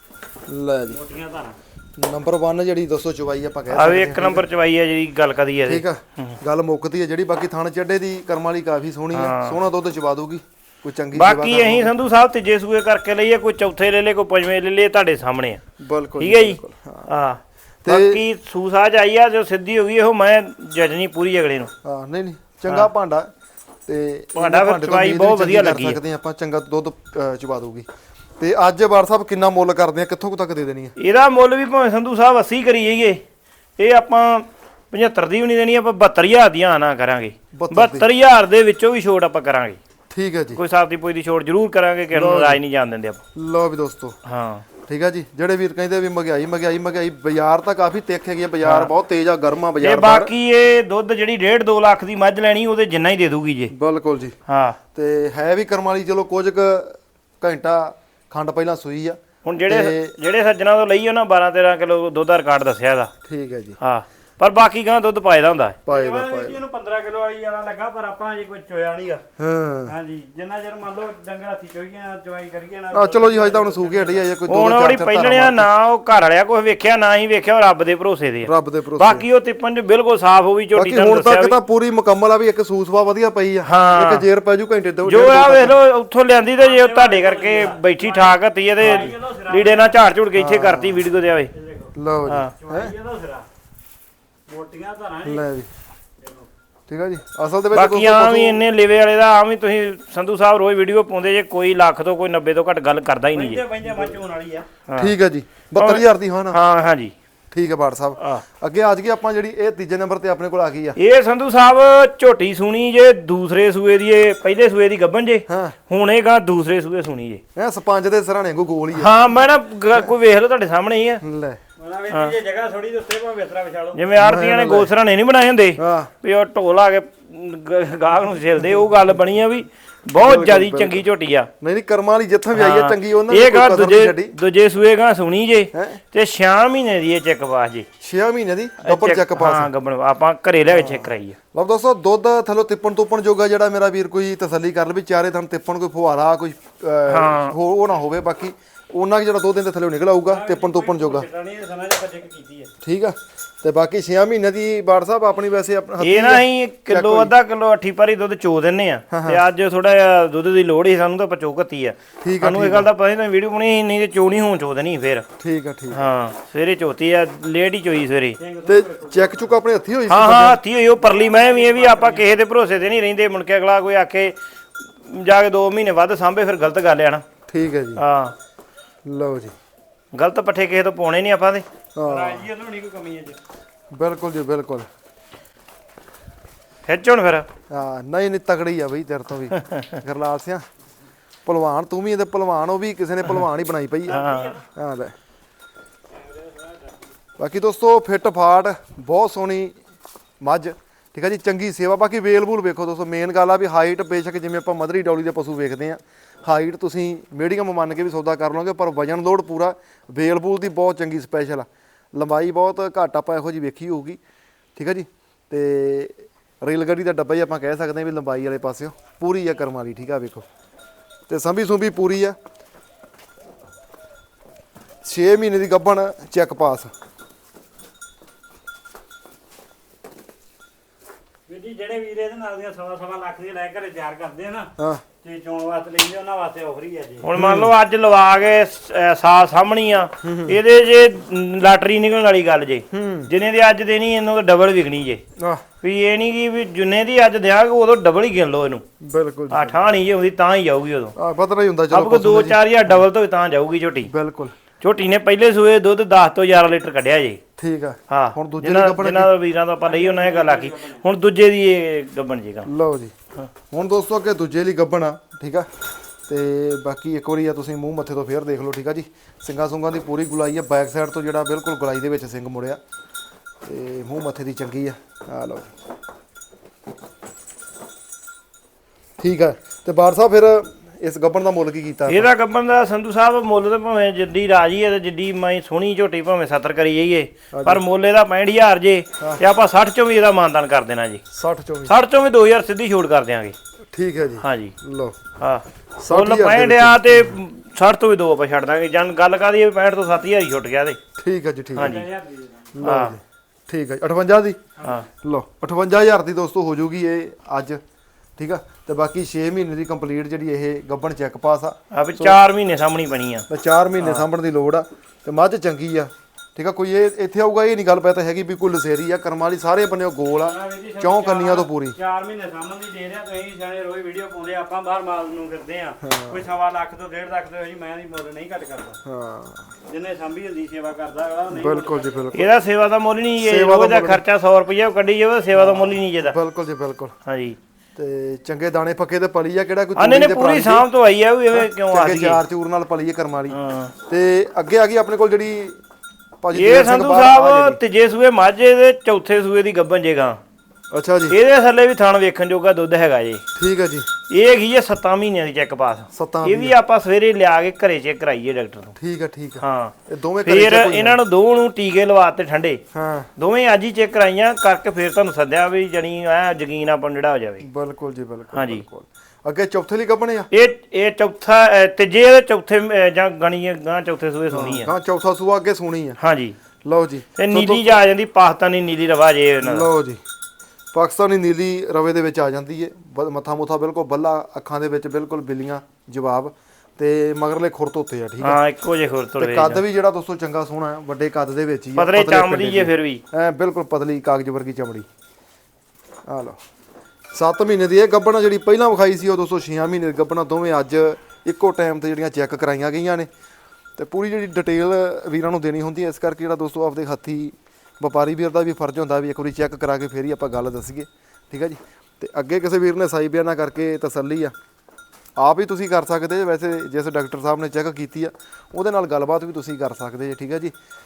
S1: ਲੈ ਜੀ
S3: ਮੋਟੀਆਂ ਧਾਰਾਂ
S1: ਨੰਬਰ ਇੱਕ ਜਿਹੜੀ ਦੋਸਤੋ ਚਵਾਈ ਆਪਾਂ ਕਹਿ
S2: ਆ ਵੀ ਇੱਕ ਨੰਬਰ ਚਵਾਈ ਹੈ ਜਿਹੜੀ ਗੱਲ ਕਦੀ ਹੈ
S1: ਠੀਕ ਆ ਗੱਲ ਮੁੱਕਦੀ ਹੈ ਜਿਹੜੀ ਬਾਕੀ ਥਣ ਚੱਡੇ ਦੀ ਕਰਮ ਵਾਲੀ ਕਾਫੀ ਸੋਹਣੀ ਆ ਸੋਹਣਾ ਦੁੱਧ ਚਵਾ ਦੂਗੀ ਕੋਈ ਚੰਗੀ
S2: ਬਾਕੀ ਅਸੀਂ ਸੰਧੂ ਸਾਹਿਬ ਤੀਜੇ ਸੂਏ ਕਰਕੇ ਲਈਏ ਕੋਈ ਚੌਥੇ ਲੈ ਲੇ ਕੋਈ ਪੰਜਵੇਂ ਲੈ ਲੇ ਤੁਹਾਡੇ ਸਾਹਮਣੇ ਆ
S1: ਬਿਲਕੁਲ
S2: ਠੀਕ ਹੈ ਜੀ ਹਾਂ ਬਾਕੀ ਸੂਸਾਜ ਆਈ ਆ ਜੋ ਸਿੱਧੀ ਹੋ ਗਈ ਉਹ ਮੈਂ ਜਜਨੀ ਪੂਰੀ ਅਗਲੇ ਨੂੰ
S1: ਹਾਂ ਨਹੀਂ ਨਹੀਂ ਚੰਗਾ ਭਾਂਡਾ ਤੇ
S2: ਭਾਂਡਾ ਫਿਰ ਚਵਾਈ ਬਹੁਤ ਵਧੀਆ ਲੱਗੀ
S1: ਸਕਦੇ ਆਪਾਂ ਚੰਗਾ ਦੁੱਧ ਚਵਾ ਦੂਗੀ ਤੇ ਅੱਜ ਬਾਰ ਸਾਹਿਬ ਕਿੰਨਾ ਮੁੱਲ ਕਰਦੇ ਆ ਕਿੱਥੋਂ ਕੁ ਤੱਕ ਦੇ ਦੇਣੀ ਆ
S2: ਇਹਦਾ ਮੁੱਲ ਵੀ ਭਾਵੇਂ ਸੰਧੂ ਸਾਹਿਬ ਅੱਸੀ ਕਰੀ ਜਾਈਏ ਇਹ ਆਪਾਂ ਪਝੱਤਰ ਦੀ ਵੀ ਨਹੀਂ ਦੇਣੀ ਆਪਾਂ ਬਹੱਤਰ ਹਜ਼ਾਰ ਦੀਆਂ ਨਾ ਕਰਾਂਗੇ ਬਹੱਤਰ ਹਜ਼ਾਰ ਦੇ ਵਿੱਚੋਂ ਵੀ ਛੋਟ ਆਪਾਂ ਕਰਾਂਗੇ
S1: ਠੀਕ ਹੈ ਜੀ
S2: ਕੋਈ ਸਾਫ ਦੀ ਪੋਈ ਦੀ ਛੋਟ ਜ਼ਰੂਰ ਕਰਾਂਗੇ ਕਿ ਨੂੰ ਰਾਜ ਨਹੀਂ ਜਾਣ ਦਿੰਦੇ ਆਪਾਂ
S1: ਲਓ ਵੀ ਦੋਸਤੋ
S2: ਹਾਂ
S1: ਠੀਕ ਹੈ ਜੀ ਜਿਹੜੇ ਵੀਰ ਕਹਿੰਦੇ ਵੀ ਮਹਿੰਗਾਈ ਮਹਿੰਗਾਈ ਮਹਿੰਗਾਈ ਬਾਜ਼ਾਰ ਤਾਂ ਕਾਫੀ ਤਿੱਖ ਹੈਗੀ ਆ ਬਾਜ਼ਾਰ ਬਹੁਤ ਤੇਜ਼ ਆ ਗਰਮ ਆ
S2: ਤੇ
S1: ਬਾਜ਼ਾਰ
S2: ਬਾਕੀ ਇਹ ਦੁੱਧ ਜਿਹੜੀ ਡੇਢ ਦੋ ਲੱਖ ਦੀ ਮੱਝ ਲੈਣੀ ਉਹਦੇ ਜਿੰਨਾ ਹੀ ਦੇ ਦੂਗੀ ਜੀ
S1: ਬਿਲਕੁਲ ਜੀ
S2: ਹਾਂ
S1: ਤੇ ਹੈ ਵੀ ਕਰਮ ਵਾਲੀ ਚਲੋ ਕੁਝ ਕੁ ਘੰਟਾ ਖੰਡ ਪਹਿਲਾਂ ਸੂਈ ਆ
S2: ਹੁਣ ਜਿਹੜੇ ਜਿਹੜੇ ਸੱਜਣਾ ਤੋਂ ਲਈ ਉਹਨਾਂ ਬਾਰਾਂ ਤੇਰਾਂ ਕਿਲੋ ਦੁੱਧ ਦਾ ਰਿਕਾਰਡ ਦੱਸਿਆ ਇਹਦਾ
S1: ਠੀਕ ਹੈ ਜੀ
S2: ਹਾਂ ਪਰ ਬਾਕੀ ਗਾਂ ਦੁੱਧ ਪਾਇਦਾ ਹੁੰਦਾ ਹੈ
S1: ਪਾਏ ਦਾ ਪਾਏ
S3: ਇਹਨੂੰ ਪੰਦਰਾਂ ਕਿਲੋ ਵਾਲੀ ਵਾਲਾ ਲੱਗਾ ਪਰ ਆਪਾਂ ਅਜੇ ਕੋਈ ਚੋਇਆ ਨਹੀਂਗਾ
S1: ਹਾਂ
S3: ਹਾਂਜੀ ਜਿੰਨਾ ਚਿਰ ਮੰਨ ਲਓ ਡੰਗਰ ਹੱਥੀ ਚੋਈਆਂ ਚਵਾਈ ਕਰੀਏ ਨਾ
S1: ਆ ਚਲੋ ਜੀ ਹਜੇ ਤਾਂ ਹੁਣ ਸੂ ਕੇ ਹਟੀ ਆ ਕੋਈ ਦੋ
S2: ਹੁਣ
S1: ਚਾਰ
S2: ਉਹਦੀ
S1: ਚਾਰ
S2: ਪਹਿਲਣਿਆ ਨਾ ਉਹ ਘਰ ਵਾਲਿਆ ਕੁਝ ਵੇਖਿਆ ਨਾ ਹੀ ਵੇਖਿਆ ਉਹ ਰੱਬ ਦੇ ਭਰੋਸੇ ਦੇ ਆ
S1: ਰੱਬ ਦੇ ਭਰੋਸੇ
S2: ਬਾਕੀ ਉਹ ਤਿੱਪਣ ਚ ਬਿਲਕੁਲ ਸਾਫ਼ ਹੋਈ ਝੋਟੀ
S1: ਬਾਕੀ
S2: ਤਾਂ
S1: ਹੁਣ
S2: ਦੱਸਿਆ
S1: ਤੱਕ
S2: ਵੀ
S1: ਤਾਂ ਪੂਰੀ ਮੁਕੰਮਲ ਆ ਵੀ ਇੱਕ ਸੂਸਵਾ ਵਧੀਆ ਪਈ ਆ
S2: ਹਾਂ।
S1: ਇੱਕ ਜੇਰ ਪੈ ਜੂ ਘੰਟੇ ਦੋ
S2: ਜੋ ਆ ਵੇਖ ਲੋ ਉੱਥੋਂ ਲਿਆਂਦੀ ਤੇ ਜੇ ਉਹ ਤੁਹਾਡੇ ਕਰਕੇ ਬੈਠੀ ਠਾਕ ਹੱਤੀ ਇਹਦੇ ਲੀੜੇ ਨਾਲ ਝਾੜ ਝੁੜ ਕੇ ਇੱਥੇ ਕਰਤੀ ਵੀਡੀਓ ਤੇ ਆਵੇ
S1: ਲਓ ਜੀ
S3: ਚਵਾਈ ਇਹਦਾ ਸਿਰਾ ਮੋਟੀਆਂ ਧਾਰਾਂ
S1: ਲੈ ਵੀ ਠੀਕ ਆ ਜੀ। ਅਸਲ ਦੇ ਵਿੱਚ
S2: ਬਾਕੀ ਆ ਵੀ ਇੰਨੇ ਲੇਵੇ ਵਾਲੇ ਦਾ ਆ ਵੀ ਤੁਸੀਂ ਸੰਧੂ ਸਾਹਿਬ ਰੋਜ਼ ਵੀਡੀਓ ਪਾਉਂਦੇ ਜੇ ਕੋਈ ਲੱਖ ਤੋਂ ਕੋਈ ਨੱਬੇ ਤੋਂ ਘੱਟ ਗੱਲ ਕਰਦਾ ਹੀ ਨਹੀਂ ਜੀ।
S3: ਬੰਦੇ ਮੱਝ ਹੋਣ ਵਾਲੀ ਆ।
S1: ਠੀਕ ਆ ਜੀ ਬਹੱਤਰ ਹਜ਼ਾਰ ਦੀ ਹਾਂ ਨਾ।
S2: ਹਾਂ ਹਾਂ ਜੀ
S1: ਠੀਕ ਹੈ ਬਾੜ ਸਾਹਿਬ। ਅੱਗੇ ਆ ਜੀ ਆਪਾਂ ਜਿਹੜੀ ਇਹ ਤੀਜੇ ਨੰਬਰ ਤੇ ਆਪਣੇ ਕੋਲ ਆ ਗਈ ਆ
S2: ਇਹ ਸੰਧੂ ਸਾਹਿਬ ਝੋਟੀ ਸੁਣੀ ਜੇ ਦੂਸਰੇ ਸੂਏ ਦੀ ਇਹ ਪਹਿਲੇ ਸੂਏ ਦੀ ਗੱਭਣ ਜੇ
S1: ਹਾਂ
S2: ਹੁਣ ਇਹ ਗਾ ਦੂਸਰੇ ਸੂਏ ਸੁਣੀ ਜੇ
S1: ਇਹ ਸਪੰਜ ਦੇ ਸਰਾਣੇ ਕੋ ਗੋਲ ਹੀ ਆ।
S2: ਹਾਂ ਮੈਂ ਨਾ ਗ- ਕੋਈ ਵੇਖ ਲਓ ਤੁਹਾਡੇ ਸਾਹਮਣੇ ਹੀ ਆ
S1: ਲੈ
S3: ਉਹਨਾਂ ਵਿੱਚ ਜੇ ਜਗ੍ਹਾ ਥੋੜੀ ਦੇ ਉੱਤੇ ਭਾਵੇਂ ਬਿਸਤਰਾ ਵਿਛਾ ਲਓ।
S2: ਜਿਵੇਂ ਆੜਤੀਆਂ ਨੇ ਗੋਸਰਾਣੇ ਨਹੀਂ ਬਣਾਏ ਹੁੰਦੇ
S1: ਹਾਂ
S2: ਵੀ ਉਹ ਢੋਲ ਆ ਕੇ ਗ- ਗਾਹਕ ਨੂੰ ਛਿਲਦੇ ਉਹ ਗੱਲ ਬਣੀ ਆ ਵੀ ਬਹੁਤ ਜ਼ਿਆਦੀ ਚੰਗੀ ਝੋਟੀ ਆ।
S1: ਨਹੀਂ ਨਹੀਂ ਕਰਮਾਂ ਵਾਲੀ ਜਿੱਥੋਂ ਵੀ ਆਈ ਆ ਚੰਗੀ ਉਹਨਾਂ
S2: ਇਹ ਗਾ
S1: ਕੋਈ ਕਦਰ ਨਹੀਂ
S2: ਦੂਜੇ
S1: ਛੱਡੀ।
S2: ਦੂਜੇ ਸੂਏ ਗਾ ਸੁਣੀ ਜੇ
S1: ਹੈਂ?
S2: ਤੇ ਛੇ ਮਹੀਨੇ ਦੀ ਇਹ ਚੈੱਕ ਪਾਸ ਜੀ।
S1: ਛੇ ਮਹੀਨੇ ਦੀ ਗੱਪਰ ਚੈੱਕ ਪਾਸ।
S2: ਹਾਂ ਗੱਬਣ ਆਪਾਂ ਘਰੇ ਲੈ ਕੇ ਚੈੱਕ ਕਰਾਈ ਆ।
S1: ਲਓ ਦੋਸਤੋ ਦੁੱਧ ਥੱਲੋਂ ਤਿੱਪਣ ਤੁੱਪਣ ਜੋਗਾ ਜਿਹੜਾ ਮੇਰਾ ਵੀਰ ਕੋਈ ਤਸੱਲੀ ਕਰ ਲਵੇ ਚਾਰੇ ਥਣ ਤਿੱਪਣ ਕੋਈ ਫੁਹਾਰਾ ਕੋਈ ਅਹ, ਹੋ ਉਹ ਨਾ ਹੋਵੇ ਬਾਕੀ ਉਹਨਾਂ ਜਿਹੜਾ ਦੋ ਦਿਨ ਦੇ ਥੱਲੇ ਨਿਕਲ ਆਊਗਾ ਤਿੱਪਣ ਤੁੱਪਣ ਜੋਗਾ।
S3: ਚਟਾਣੀ ਦੇ ਸਨਾ ਜਿਹਾ ਚੈੱਕ ਕੀਤੀ ਹੈ।
S1: ਠੀਕ ਆ ਤੇ ਬਾਕੀ ਛੇ ਮਹੀਨੇ ਦੀ ਬਾੜ ਸਾਹਿਬ ਆਪਣੀ ਵੈਸੇ ਆਪਣਾ
S2: ਇਹ ਨਾ ਅਸੀਂ ਕਿਲੋ ਅੱਧਾ ਕਿਲੋ ਅੱਠੀ ਪਾਰੀ ਦੁੱਧ ਚੋ ਦਿੰਨੇ ਆ ਤੇ ਅੱਜ ਥੋੜਾ ਜਿਹਾ ਦੁੱਧ ਦੀ ਲੋੜ ਸੀ ਸਾਨੂੰ ਤਾਂ ਆਪਾਂ ਚੋ ਘੱਤੀ ਆ।
S1: ਠੀਕ ਆ
S2: ਸਾਨੂੰ ਇਹ ਗੱਲ ਦਾ ਪਤਾ ਨਹੀਂ ਵੀਡੀਓ ਬਣੀ ਨਹੀਂ ਤੇ ਚੋਣੀ ਹੋਣ ਚੋ ਦੇਣੀ ਫਿਰ।
S1: ਠੀਕ ਆ ਠੀਕ
S2: ਹਾਂ ਸਵੇਰੇ ਚੋਤੀ ਆ ਲੇਟ ਹੀ ਚੋਈ ਸਵੇਰੇ।
S1: ਤੇ ਚੈੱਕ ਚੁੱਕ ਆਪਣੇ ਹੱਥੀ ਹੋਈ ਸੀ।
S2: ਹਾਂ ਹਾਂ ਹੱਥੀ ਹੋਈ ਉਹ ਪਰਲੀ ਮੈਂ ਵੀ ਇਹ ਵੀ ਆਪਾਂ ਕਿਸੇ ਦੇ ਭਰੋਸੇ ਤੇ ਨਹੀਂ ਰਹਿੰਦੇ ਮੁੜ ਕੇ ਅਗਲਾ ਕੋਈ ਆਖੇ ਜਾ ਕੇ ਦੋ ਮਹੀਨੇ ਵੱਧ ਸਾਂਭੇ ਫਿਰ ਗਲਤ ਗੱਲ ਆ ਨਾ।
S1: ਠੀਕ ਹੈ ਜੀ
S2: ਹਾਂ
S1: ਲਓ ਜੀ
S2: ਗਲਤ ਪੱਠੇ ਕਿਸੇ ਤੋਂ ਪਾਉਣੇ ਨਹੀਂ ਆਪਾਂ ਤੇ।
S1: ਹਾਂ
S3: ਰਾਜੀ ਵੱਲੋਂ ਨਹੀਂ ਕੋਈ ਕਮੀ ਹੈ ਜੀ।
S1: ਬਿਲਕੁਲ ਜੀ ਬਿਲਕੁਲ।
S2: ਖਿੱਚ ਹੁਣ ਫਿਰ
S1: ਹਾਂ ਨਹੀਂ ਨਹੀਂ ਤਗੜੀ ਆ ਬਈ ਤੇਰੇ ਤੋਂ ਵੀ ਗਰਲਾਲ ਸਿਆ ਪਹਿਲਵਾਨ ਤੂੰ ਵੀ ਇਹਦੇ ਪਹਿਲਵਾਨ ਉਹ ਵੀ ਕਿਸੇ ਨੇ ਪਹਿਲਵਾਨ ਹੀ ਬਣਾਈ ਪਈ ਆ। ਹਾਂ ਲੈ ਬਾਕੀ ਦੋਸਤੋ ਫਿੱਟ ਫਾਟ ਬਹੁਤ ਸੋਹਣੀ ਮੱਝ ਠੀਕ ਆ ਜੀ ਚੰਗੀ ਸੇਵਾ। ਬਾਕੀ ਵੇਲ ਵੂਲ ਵੇਖੋ ਦੋਸਤੋ ਮੇਨ ਗੱਲ ਆ ਵੀ ਹਾਈਟ ਬੇਸ਼ੱਕ ਜਿਵੇਂ ਆਪਾਂ ਮਧਰੀ ਡੌਲੀ ਦੇ ਪਸ਼ੂ ਵੇਖਦੇ ਆ ਹਾਈਟ ਤੁਸੀਂ ਮੀਡੀਅਮ ਮੰਨ ਕੇ ਵੀ ਸੌਦਾ ਕਰ ਲਓਗੇ ਪਰ ਵਜਨ ਲੋਡ ਪੂਰਾ ਵੇਲ ਵੂਲ ਦੀ ਬਹੁਤ ਚੰਗੀ ਸਪੈਸ਼ਲ ਆ। ਲੰਬਾਈ ਬਹੁਤ ਘੱਟ ਆਪਾਂ ਇਹੋ ਜੀ ਵੇਖੀ ਹੋਊਗੀ ਠੀਕ ਆ ਜੀ। ਤੇ ਰੇਲ ਗੱਡੀ ਦਾ ਡੱਬਾ ਹੀ ਆਪਾਂ ਕਹਿ ਸਕਦੇ ਆ ਵੀ ਲੰਬਾਈ ਵਾਲੇ ਪਾਸਿਓ ਪੂਰੀ ਆ ਕਰਮ ਵਾਲੀ ਠੀਕ ਆ ਵੇਖੋ। ਤੇ ਸੰਭੀ ਸੁੰਭੀ ਪੂਰੀ ਆ ਛੇ ਮਹੀਨੇ ਦੀ ਗੱਭਣ ਚੈੱਕ ਪਾਸ।
S3: ਵੀਰ ਜੀ ਜਿਹੜੇ ਵੀਰ ਇਹਦੇ ਨਾਲ ਦੀਆਂ ਸਵਾ ਸਵਾ ਲੱਖ ਦੀ ਲੈ ਘਰੇ ਤਿਆਰ ਕਰਦੇ ਆ ਨਾ
S1: ਹਾਂ
S3: ਤੇ ਚੋਣ ਵਾਸਤੇ ਲੈਂਦੇ ਉਹਨਾਂ ਵਾਸਤੇ ਆਫਰ ਹੀ ਹੈ ਜੀ।
S2: ਹੁਣ ਮੰਨ ਲਓ ਅੱਜ ਲਵਾ ਕੇ ਸਾਲ ਸਾਹਮਣੀ ਆ ਇਹਦੇ ਜੇ ਲਾਟਰੀ ਨਿਕਲਣ ਵਾਲੀ ਗੱਲ ਜੇ ਜਿਨੇ ਦੀ ਅੱਜ ਦੇਣੀ ਇਹਨੂੰ ਤਾਂ ਡਬਲ ਵਿਕਣੀ ਜੇ।
S1: ਆਹ
S2: ਵੀ ਇਹ ਨਹੀਂ ਕਿ ਵੀ ਜਿੰਨੇ ਦੀ ਅੱਜ ਦਿਆਂਗੇ ਉਦੋਂ ਡਬਲ ਹੀ ਗਿਣ ਲਓ ਇਹਨੂੰ।
S1: ਬਿਲਕੁਲ
S2: ਆ ਠਾਣੀ ਜੇ ਹੁੰਦੀ ਤਾਂ ਹੀ ਜਾਊਗੀ ਉਦੋਂ।
S1: ਆ ਪਤਾ ਨਹੀਂ ਹੁੰਦਾ
S2: ਆਪ
S1: ਚਲੋ
S2: ਕੋ ਦੋ ਚਾਰ ਹਜ਼ਾਰ ਡਬਲ ਤੋਂ ਵੀ ਤਾਂ ਜਾਊਗੀ ਝੋਟੀ।
S1: ਬਿਲਕੁਲ
S2: ਝੋਟੀ ਨੇ ਪਹਿਲੇ ਸੂਏ ਦੁੱਧ ਦਸ ਤੋਂ ਗਿਆਰਾਂ ਲੀਟਰ ਕੱਢਿਆ ਜੇ।
S1: ਠੀਕ ਆ
S2: ਹਾਂ
S1: ਹੁਣ ਦੂਜੇ
S2: ਜਿਹਨਾਂ
S1: ਦੀ ਗੱਭਣ
S2: ਜਿਹਨਾਂ ਦਾ ਵੀਰਾਂ ਦਾ ਆਪਾਂ ਲਈ ਉਹਨਾਂ ਇਹ ਗੱਲ ਆਖੀ ਹੁਣ ਦੂਜੇ ਦੀ ਇਹ ਗੱਬਣ ਜੇਗਾ।
S1: ਲਓ ਜੀ ਹੁਣ ਦੋਸਤੋ ਅੱਗੇ ਦੂਜੇ ਲਈ ਗੱਭਣ ਆ ਠੀਕ ਆ। ਤੇ ਬਾਕੀ ਇੱਕ ਵਾਰੀ ਆ ਤੁਸੀਂ ਮੂੰਹ ਮੱਥੇ ਤੋਂ ਫੇਰ ਦੇਖ ਲਓ ਠੀਕ ਆ ਜੀ। ਸਿੰਗਾ ਸੁੰਗਾਂ ਦੀ ਪੂਰੀ ਗੁਲਾਈ ਆ ਬੈਕ ਸਾਈਡ ਤੋਂ ਜਿਹੜਾ ਬਿਲਕੁਲ ਗੁਲਾਈ ਦੇ ਵਿੱਚ ਸਿੰਘ ਮੁੜਿਆ ਤੇ ਮੂੰਹ ਮੱਥੇ ਦੀ ਚੰਗੀ ਆ। ਆ ਲਓ ਠੀਕ ਆ। ਤੇ ਬਾਰ ਸਾਹਿਬ ਫਿਰ ਇਸ ਗੱਭਣ ਦਾ ਮੁੱਲ ਕੀ ਕੀਤਾ?
S2: ਇਹਦਾ ਗੱਬਣ ਦਾ ਸੰਧੂ ਸਾਹਿਬ ਮੁੱਲ ਤੇ ਭਾਵੇਂ ਜਿੱਡੀ ਰਾਜੀ ਹੈ ਤੇ ਜਿੱਡੀ ਮੈਂ ਸੋਹਣੀ ਝੋਟੀ ਭਾਵੇਂ ਸੱਤਰ ਕਰੀ ਜਾਈਏ ਪਰ ਮੁੱਲ ਇਹਦਾ ਪੈਂਹਠ ਹਜ਼ਾਰ ਜੇ ਤੇ ਆਪਾਂ ਸੱਠ ਚੋਂ ਵੀ ਇਹਦਾ ਮਾਨਦਾਨ ਕਰ ਦੇਣਾ ਜੀ।
S1: ਸੱਠ ਚੋਂ ਵੀ
S2: ਸੱਠ ਚੋਂ ਵੀ ਦੋ ਹਜ਼ਾਰ ਸਿੱਧੀ ਛੋੜ ਕਰ ਦਿਆਂਗੇ।
S1: ਠੀਕ ਹੈ ਜੀ।
S2: ਹਾਂ ਜੀ
S1: ਲਓ
S2: ਹਾਂ ਮੁੱਲ ਪੈਂਹਠ ਆ ਤੇ ਸੱਠ ਤੋਂ ਵੀ ਦੋ ਆਪਾਂ ਛੱਡ ਦਾਂਗੇ ਜਨ ਗੱਲ ਕਾਦੀ ਪੈਂਹਠ ਤੋਂ ਸੱਤ ਹਜ਼ਾਰ ਹੀ ਛੁੱਟ ਗਿਆ ਤੇ।
S1: ਠੀਕ ਹੈ ਜੀ ਠੀਕ ਹੈ
S2: ਹਾਂਜੀ
S1: ਲਓ ਜੀ ਠੀਕ ਹੈ ਅਠਵੰਜਾ ਦੀ।
S2: ਹਾਂ
S1: ਲਓ ਅਠਵੰਜਾ ਹਜ਼ਾਰ ਦੀ ਦੋਸਤੋ ਹੋ ਜੂਗੀ ਇਹ ਅੱਜ ਠੀਕ ਆ। ਤੇ ਬਾਕੀ ਛੇ ਮਹੀਨੇ ਦੀ ਕੰਪਲੀਟ ਜਿਹੜੀ ਇਹ ਗੱਭਣ ਚੈੱਕ ਪਾਸ ਆ
S2: ਆ ਵੀ ਚਾਰ ਮਹੀਨੇ ਸਾਹਮਣੀ ਬਣੀ ਆ।
S1: ਤੇ ਚਾਰ ਮਹੀਨੇ ਸਾਂਭਣ ਦੀ ਲੋੜ ਆ ਤੇ ਮੱਝ ਚੰਗੀ ਆ ਠੀਕ ਆ। ਕੋਈ ਇਹ ਇੱਥੇ ਆਊਗਾ ਇਹ ਨਹੀਂ ਗੱਲ ਪਤਾ ਹੈਗੀ ਵੀ ਕੋਈ ਲਸੇਰੀ ਆ ਕਰਮਾਂ ਵਾਲੀ ਸਾਰੇ ਬੰਨੇ ਗੋਲ ਆ ਚੌਂ ਕੰਨੀਆਂ ਤੋਂ ਪੂਰੀ
S3: ਚਾਰ ਮਹੀਨੇ ਸਾਹਮਣ ਦੀ ਦੇ ਰਿਹਾ ਤੁਸੀਂ ਜਾਣੇ ਰੋਜ਼ ਵੀਡੀਓ ਪਾਉਂਦੇ ਆਪਾਂ ਬਾਹਰ ਮਾਲ ਨੂੰ ਕਰਦੇ ਆ ਕੋਈ ਸਵਾ ਲੱਖ ਤੋਂ ਡੇਢ ਲੱਖ ਤੋਂ ਜੀ ਮੈਂ ਦੀ ਮੁੱਲ ਨਹੀਂ ਘੱਟ ਕਰਦਾ।
S1: ਹਾਂ
S3: ਜਿੰਨੇ ਸੰਭੀ ਹੁੰਦੀ ਸੇਵਾ ਕਰਦਾ ਅਗਲਾ ਨਹੀਂ
S1: ਬਿਲਕੁਲ ਜੀ ਬਿਲਕੁਲ
S2: ਇਹਦਾ ਸੇਵਾ ਦਾ ਮੁੱਲ ਨਹੀਂ ਇਹ ਉਹਦਾ ਖਰਚਾ ਸੌ ਰੁਪਈਆ ਕੱਢੀ ਜਾਵੇ ਸੇਵਾ ਦਾ ਮੁੱਲ ਹੀ ਨਹੀਂ ਜਿਹਦਾ।
S1: ਬਿਲਕੁਲ ਜੀ ਬਿਲਕੁਲ।
S2: ਹਾਂਜੀ
S1: ਤੇ ਚੰਗੇ ਦਾਣੇ ਪੱਕੇ ਤੇ ਪਲੀ ਆ ਕਿਹੜਾ ਕੋਈ
S2: ਆਨੇ ਨੇ ਪੂਰੀ ਸ਼ਾਮ ਤੋਂ ਆਈ ਆ ਵੀ ਇਹ ਕਿਉਂ ਆ
S1: ਚੰਗੇ
S2: ਗਈ
S1: ਚਾਰ ਚੂਰ ਨਾਲ ਪਲੀ ਆ ਕਰਮਾਂ ਵਾਲੀ।
S2: ਹਾਂ
S1: ਤੇ ਅੱਗੇ ਆ ਗਈ ਆਪਣੇ ਕੋਲ ਜਿਹੜੀ ਭਾਜੀ
S2: ਇਹ ਸੰਧੂ ਸਾਹਿਬ ਤੀਜੇ ਸੂਏ ਮਾਝੇ ਦੇ ਚੌਥੇ ਸੂਏ ਦੀ ਗੱਭਣ ਜੇਗਾ।
S1: ਅੱਛਾ ਜੀ
S2: ਇਹਦੇ ਥੱਲੇ ਵੀ ਥਣ ਵੇਖਣ ਜੋਗਾ ਦੁੱਧ ਹੈਗਾ ਜੀ।
S1: ਠੀਕ ਹੈ ਜੀ।
S2: ਇਹ ਹੈਗੀ ਹੈ ਸੱਤਾਂ ਮਹੀਨਿਆਂ ਦੀ ਚੈੱਕ ਪਾਸ।
S1: ਸੱਤਾਂ
S2: ਇਹ ਵੀ ਆਪਾਂ ਸਵੇਰੇ ਲਿਆ ਕੇ ਘਰੇ ਚੈੱਕ ਕਰਾਈਏ ਡਾਕਟਰ ਤੋਂ।
S1: ਠੀਕ ਹੈ ਠੀਕ ਹੈ।
S2: ਹਾਂ
S1: ਇਹ ਦੋਵੇਂ
S2: ਫਿਰ ਇਹਨਾਂ ਨੂੰ ਦੋਵਾਂ ਨੂੰ ਟੀਕੇ ਲਵਾਤੇ ਠੰਡੇ
S1: ਹਾਂ
S2: ਦੋਵੇਂ ਅੱਜ ਹੀ ਚੈੱਕ ਕਰਾਈਆਂ ਕਰਕੇ ਫਿਰ ਤੁਹਾਨੂੰ ਸੱਦਿਆ ਵੀ ਜਣੀ ਐ ਯਕੀਨ ਆਪਾਂ ਜਿਹੜਾ ਹੋ ਜਾਵੇ।
S1: ਬਿਲਕੁਲ ਜੀ ਬਿਲਕੁਲ
S2: ਹਾਂਜੀ।
S1: ਬਿਲਕੁਲ। ਅੱਗੇ ਚੌਥੇ ਲਈ ਗੱਭਣੇ ਆ
S2: ਇਹ ਇਹ ਚੌਥਾ ਅਹ, ਤੀਜੇ ਦੇ ਚੌਥੇ ਅਹ, ਜਾਂ ਗਣੀ ਗਾਂ ਚੌਥੇ ਸੂਏ ਸੁਣੀ ਆ।
S1: ਹਾਂ ਚੌਥਾ ਸੂਆ ਅੱਗੇ ਸੋਣੀ ਆ।
S2: ਹਾਂਜੀ
S1: ਲਓ ਜੀ
S2: ਤੇ ਨੀਲੀ ਜਾ ਆ ਜਾਂਦੀ ਪਾਕਿਸਤਾਨੀ ਨੀਲੀ ਰਵਾ ਜੇ ਇਹਨਾਂ ਦਾ।
S1: ਲਓ ਜੀ ਪਾਕਿਸਤਾਨੀ ਨੀਲੀ ਰਵੇ ਦੇ ਵਿੱਚ ਆ ਜਾਂਦੀ ਹੈ ਬ- ਮੱਥਾ ਮੁੱਥਾ ਬਿਲਕੁਲ ਬੱਲਾ ਅੱਖਾਂ ਦੇ ਵਿੱਚ ਬਿਲਕੁਲ ਬਿੱਲੀਆਂ ਜਵਾਬ ਤੇ ਮਗਰਲੇ ਖੁਰ ਧੋਤੇ ਆ ਠੀਕ ਹੈ।
S2: ਹਾਂ ਇੱਕੋ ਜਿਹੇ ਖੁਰ
S1: ਤੇ
S2: ਤੁਰੇ
S1: ਕੱਦ ਵੀ ਜਿਹੜਾ ਦੋਸਤੋ ਚੰਗਾ ਸੋਹਣਾ ਹੈ ਵੱਡੇ ਕੱਦ ਦੇ ਵਿੱਚ ਹੀ ਆ,
S2: ਪਤਲੇ
S1: ਪਤਲੇ
S2: ਚਮੜੀ ਜੇ ਫਿਰ ਵੀ
S1: ਐ ਬਿਲਕੁਲ ਪਤਲੀ ਕਾਗਜ਼ ਵਰਗੀ ਚਮੜੀ ਆ ਲਓ ਸੱਤ ਮਹੀਨੇ ਦੀ ਇਹ ਗੱਭਣਾ ਜਿਹੜੀ ਪਹਿਲਾਂ ਵਿਖਾਈ ਸੀ ਉਹ ਦੋਸਤੋ ਛੇ ਮਹੀਨੇ ਦੀ ਗੱਭਣਾ ਦੋਵੇਂ ਅੱਜ ਇੱਕੋ ਟਾਈਮ ਤੇ ਜਿਹੜੀਆਂ ਚੈੱਕ ਕਰਾਈਆਂ ਗਈਆਂ ਨੇ ਤੇ ਪੂਰੀ ਜਿਹੜੀ ਡਿਟੇਲ ਵੀਰਾਂ ਨੂੰ ਦੇਣੀ ਹੁੰਦੀ ਹੈ। ਇਸ ਕਰਕੇ ਜਿਹੜਾ ਦੋਸਤੋ ਆਪਦੇ ਹੱਥੀ ਵਪਾਰੀ ਵੀਰ ਦਾ ਵੀ ਫਰਜ਼ ਹੁੰਦਾ ਵੀ ਇੱਕ ਵਾਰੀ ਚੈੱਕ ਕਰਾ ਕੇ ਫੇਰ ਹੀ ਆਪਾਂ ਗੱਲ ਦੱਸੀਏ, ਠੀਕ ਹੈ ਜੀ। ਤੇ ਅੱਗੇ ਕਿਸੇ ਵੀਰ ਨੇ ਸਾਈ ਬਿਆਨਾ ਕਰਕੇ ਤਸੱਲੀ ਆ ਆਪ ਹੀ ਤੁਸੀਂ ਕਰ ਸਕਦੇ ਜੇ, ਵੈਸੇ ਜਿਸ ਡਾਕਟਰ ਸਾਹਿਬ ਨੇ ਚੈੱਕ ਕੀਤੀ ਆ ਉਹਦੇ ਨਾਲ ਗੱਲਬਾਤ ਵੀ ਤੁਸੀਂ ਕਰ ਸਕਦੇ ਜੇ, ਠੀਕ ਹੈ ਜੀ।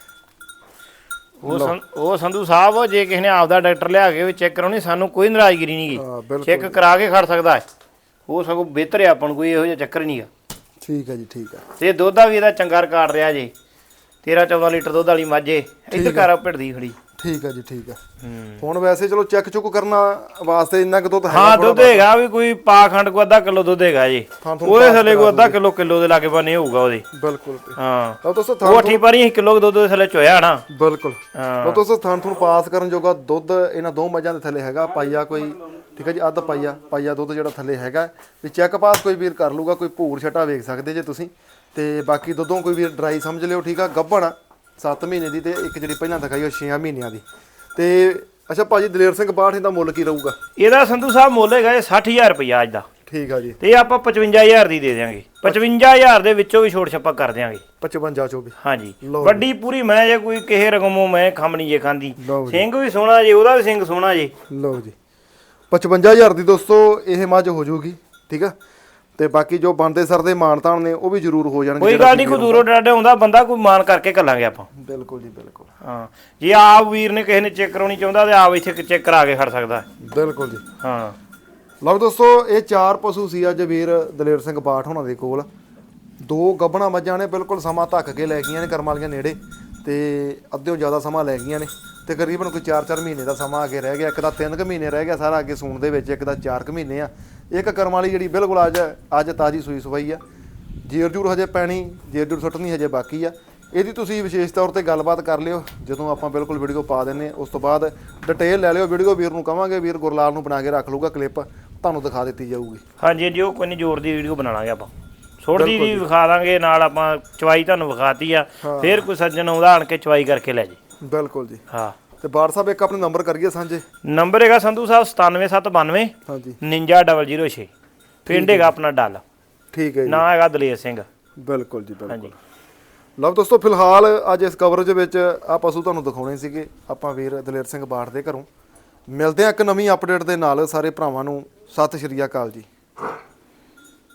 S2: ਉਹ ਸੰ- ਉਹ ਸੰਧੂ ਸਾਹਿਬ ਜੇ ਕਿਸੇ ਨੇ ਆਪਦਾ ਡਾਕਟਰ ਲਿਆ ਕੇ ਵੀ ਚੈੱਕ ਕਰਾਉਣੀ ਸਾਨੂੰ ਕੋਈ ਨਾਰਾਜ਼ਗੀ
S1: ਹਾਂ,
S2: ਨਹੀਂਗੀ,
S1: ਬਿਲਕੁਲ
S2: ਚੈੱਕ ਕਰਾ ਕੇ ਖੜ ਸਕਦਾ ਹੈ ਉਹ ਸਗੋਂ ਬਿਹਤਰ ਹੈ, ਆਪਾਂ ਨੂੰ ਕੋਈ ਇਹੋ ਜਿਹਾ ਚੱਕਰ ਨਹੀਂ ਗਾ।
S1: ਠੀਕ ਹੈ ਜੀ, ਠੀਕ ਹੈ।
S2: ਤੇ ਦੁੱਧ ਦਾ ਵੀ ਇਹਦਾ ਚੰਗਾ ਰਿਕਾਰਡ ਰਿਹਾ ਜੇ, ਤੇਰਾਂ ਚੌਦਾਂ ਲੀਟਰ ਦੁੱਧ ਵਾਲੀ ਮਾਝੇ ਇੱਧਰ ਕਰ ਭਿੜਦੀ ਖੜੀ।
S1: ਠੀਕ ਹੈ ਜੀ, ਠੀਕ ਹੈ। ਹੁਣ ਵੈਸੇ ਚਲੋ ਚੈੱਕ ਚੁੱਕ ਕਰਨਾ ਵਾਸਤੇ ਇੰਨਾ ਕੁ ਦੁੱਧ ਹੈ
S2: ਹਾਂ ਦੁੱਧ ਹੈਗਾ ਵੀ ਕੋਈ ਪਾ ਖੰਡ ਕੋ ਅੱਧਾ ਕਿਲੋ ਦੁੱਧ ਹੈਗਾ ਜੀ, ਉਹਦੇ ਥੱਲੇ ਕੋ ਅੱਧਾ ਕਿਲੋ ਕਿਲੋ ਦੇ ਲਾਗੇ ਬੰਨੇ ਹੋਊਗਾ ਉਹਦੇ।
S1: ਬਿਲਕੁਲ
S2: ਹਾਂ
S1: ਲਓ ਦੋਸਤੋ
S2: ਉਹ ਅੱਠੀ ਪਾਰੀ ਕਿਲੋ ਦੁੱਧ ਦੇ ਥੱਲੇ ਚੋਇਆ ਨਾ।
S1: ਬਿਲਕੁਲ
S2: ਹਾਂ
S1: ਲਓ ਦੋਸਤੋ ਥਾਂ ਤੁਹਾਨੂੰ ਪਾਸ ਕਰਨ ਜੋਗਾ ਦੁੱਧ ਇਹਨਾਂ ਦੋ ਮੱਝਾਂ ਦੇ ਥੱਲੇ ਹੈਗਾ ਪਾਈਆ ਕੋਈ, ਠੀਕ ਹੈ ਜੀ, ਅੱਧ ਪਾਈਆ ਪਾਈਆ ਦੁੱਧ ਜਿਹੜਾ ਥੱਲੇ ਹੈਗਾ ਵੀ ਚੈੱਕ ਪਾਸ ਕੋਈ ਵੀਰ ਕਰ ਲੂਗਾ, ਕੋਈ ਭੂਰ ਛਟਾ ਵੇਖ ਸਕਦੇ ਜੇ ਤੁਸੀਂ। ਤੇ ਬਾਕੀ ਦੁੱਧੋਂ ਕੋਈ ਵੀਰ ਡਰਾਈ ਸਮਝ ਲਿਓ, ਠੀਕ ਆ। ਗੱਭਣ ਸੱਤ ਮਹੀਨੇ ਦੀ ਤੇ ਇੱਕ ਜਿਹੜੀ ਪਹਿਲਾਂ ਦਿਖਾਈ ਉਹ ਛੇ ਮਹੀਨਿਆਂ ਦੀ। ਤੇ ਅੱਛਾ ਭਾਜੀ ਦਲੇਰ ਸਿੰਘ ਬਾਠ ਦਾ ਮੁੱਲ ਕੀ ਰਹੂਗਾ?
S2: ਇਹਦਾ ਸੰਧੂ ਸਾਹਿਬ ਮੁੱਲ ਹੈਗਾ ਇਹ ਸੱਠ ਹਜ਼ਾਰ ਰੁਪਇਆ ਅੱਜ ਦਾ।
S1: ਠੀਕ ਆ ਜੀ।
S2: ਤੇ ਇਹ ਆਪਾਂ ਪਚਵੰਜਾ ਹਜ਼ਾਰ ਦੀ ਦੇ ਦਿਆਂਗੇ, ਪਚਵੰਜਾ ਹਜ਼ਾਰ ਦੇ ਵਿੱਚੋਂ ਵੀ ਛੋਟ ਛੱਪਾ ਕਰ ਦਿਆਂਗੇ।
S1: ਪਚਵੰਜਾ ਚੋਂ ਵੀ
S2: ਹਾਂਜੀ ਵੱਡੀ ਪੂਰੀ ਮੈਂ ਜੇ ਕੋਈ ਕਿਸੇ ਰਕਮੋਂ ਮੈਂ ਖੰਮ ਨਹੀਂ ਜੇ ਖਾਂਦੀ,
S1: ਲਓ ਜੀ।
S2: ਸਿੰਘ ਵੀ ਸੋਹਣਾ ਜੇ, ਉਹਦਾ ਵੀ ਸਿੰਘ ਸੋਹਣਾ ਜੇ।
S1: ਲਓ ਜੀ ਪਚਵੰਜਾ ਹਜ਼ਾਰ ਦੀ ਦੋਸਤੋ ਇਹ ਮੱਝ ਹੋ ਜਾਊਗੀ, ਠੀਕ ਆ। ਤੇ ਬਾਕੀ ਜੋ ਬਣਦੇ ਸਰਦੇ ਮਾਨਤਾਨ ਨੇ ਉਹ ਵੀ ਜ਼ਰੂਰ ਹੋ ਜਾਣਗੇ।
S2: ਕੋਈ ਗੱਲ ਨਹੀਂ, ਕੋਈ ਦੂਰੋਂ ਡਾਡੇ ਆਉਂਦਾ ਬੰਦਾ ਕੋਈ ਮਾਨ ਕਰਕੇ ਘੱਲਾਂਗੇ ਆਪਾਂ।
S1: ਬਿਲਕੁਲ ਜੀ ਬਿਲਕੁਲ।
S2: ਹਾਂ ਜੇ ਆਪ ਵੀਰ ਨੇ ਕਿਸੇ ਨੇ ਚੈੱਕ ਕਰਾਉਣੀ ਚਾਹੁੰਦਾ ਤੇ ਆਪ ਇੱਥੇ ਚੈੱਕ ਕਰਾ ਕੇ ਖੜ ਸਕਦਾ।
S1: ਬਿਲਕੁਲ ਜੀ।
S2: ਹਾਂ
S1: ਲਓ ਦੋਸਤੋ ਇਹ ਚਾਰ ਪਸ਼ੂ ਸੀ ਅੱਜ ਵੀਰ ਦਲੇਰ ਸਿੰਘ ਬਾਠ ਹੋਣਾ ਦੇ ਕੋਲ। ਦੋ ਗੱਭਣਾ ਮੱਝਾਂ ਨੇ, ਬਿਲਕੁਲ ਸਮਾਂ ਧੱਕ ਕੇ ਲੈ ਗਈਆਂ ਨੇ ਕਰਮ ਵਾਲੀਆਂ ਨੇੜੇ, ਤੇ ਅੱਧਿਓਂ ਜ਼ਿਆਦਾ ਸਮਾਂ ਲੈ ਗਈਆਂ ਨੇ। ਤਕਰੀਬਨ ਕੋਈ ਚਾਰ ਚਾਰ ਮਹੀਨੇ ਦਾ ਸਮਾਂ ਅੱਗੇ ਰਹਿ ਗਿਆ, ਇੱਕ ਦਾ ਤਿੰਨ ਕੁ ਮਹੀਨੇ ਰਹਿ ਗਿਆ ਸਾਰਾ ਅੱਗੇ ਸੂਣ ਦੇ ਵਿੱਚ, ਇੱਕ ਦਾ ਚਾਰ ਕੁ ਮਹੀਨੇ ਆ। ਇੱਕ ਕਰਮ ਵਾਲੀ ਜਿਹੜੀ ਬਿਲਕੁਲ ਅੱਜ ਅੱਜ ਤਾਜ਼ੀ ਸੂਈ ਸਵਾਈ ਆ, ਜੇਰ ਜੂਰ ਹਜੇ ਪੈਣੀ, ਜੇਰ ਜੂਰ ਸੁੱਟਣੀ ਹਜੇ ਬਾਕੀ ਆ। ਇਹਦੀ ਤੁਸੀਂ ਵਿਸ਼ੇਸ਼ ਤੌਰ ਤੇ ਗੱਲਬਾਤ ਕਰ ਲਿਓ ਜਦੋਂ ਆਪਾਂ ਬਿਲਕੁਲ ਵੀਡੀਓ ਪਾ ਦਿੰਨੇ, ਉਸ ਤੋਂ ਬਾਅਦ ਡਿਟੇਲ ਲੈ ਲਿਓ ਵੀਡੀਓ। ਵੀਰ ਨੂੰ ਕਵਾਂਗੇ, ਵੀਰ ਗੁਰਲਾਲ ਨੂੰ ਬਣਾ ਕੇ ਰੱਖ ਲੂਗਾ ਕਲਿੱਪ, ਤੁਹਾਨੂੰ ਦਿਖਾ ਦਿੱਤੀ ਜਾਊਗੀ।
S2: ਹਾਂਜੀ ਜੀ ਉਹ ਕੋਈ ਨਹੀਂ, ਜ਼ੋਰ ਦੀ ਵੀਡੀਓ ਬਣਾ ਲਾਂਗੇ ਆਪਾਂ, ਛੋਟੀ ਦੀ ਵਿਖਾ ਦਾਂਗੇ ਨਾਲ, ਆਪਾਂ ਚਵਾਈ ਤੁਹਾਨੂੰ ਵਿਖਾਤੀ ਆ, ਫਿਰ ਕੋਈ ਸੱਜਣ ਆਉਂਦਾ ਆਣ ਕੇ ਚਵਾਈ ਕਰਕੇ ਲੈ ਜੇ।
S1: ਬਿਲਕੁਲ ਜੀ।
S2: ਹਾਂ
S1: ਤੇ ਬਾਰ ਸਾਹਿਬ ਇੱਕ ਆਪਣੇ ਨੰਬਰ ਕਰੀਏ ਸਾਂਝੇ।
S2: ਨੰਬਰ ਹੈਗਾ ਸੰਧੂ ਸਾਹਿਬ ਸਤਾਨਵੇਂ ਸੱਤ ਬਾਨਵੇਂ
S1: ਹਾਂਜੀ
S2: ਉਣੰਜਾ ਜ਼ੀਰੋ ਜ਼ੀਰੋ ਛੇ। ਪਿੰਡ ਹੈਗਾ ਆਪਣਾ ਡੱਲ,
S1: ਠੀਕ ਹੈ ਜੀ।
S2: ਨਾਂ ਹੈਗਾ ਦਲੇਰ ਸਿੰਘ।
S1: ਬਿਲਕੁਲ ਜੀ ਬਿਲਕੁਲ।
S2: ਹਾਂਜੀ
S1: ਲਓ ਦੋਸਤੋ ਫਿਲਹਾਲ ਅੱਜ ਇਸ ਕਵਰੇਜ ਵਿੱਚ ਆ ਪਸ਼ੂ ਤੁਹਾਨੂੰ ਦਿਖਾਉਣੇ ਸੀਗੇ ਆਪਾਂ ਵੀਰ ਦਲੇਰ ਸਿੰਘ ਬਾਠ ਦੇ ਘਰੋਂ। ਮਿਲਦੇ ਆ ਇੱਕ ਨਵੀਂ ਅਪਡੇਟ ਦੇ ਨਾਲ। ਸਾਰੇ ਭਰਾਵਾਂ ਨੂੰ ਸਤਿ ਸ਼੍ਰੀ ਅਕਾਲ ਜੀ।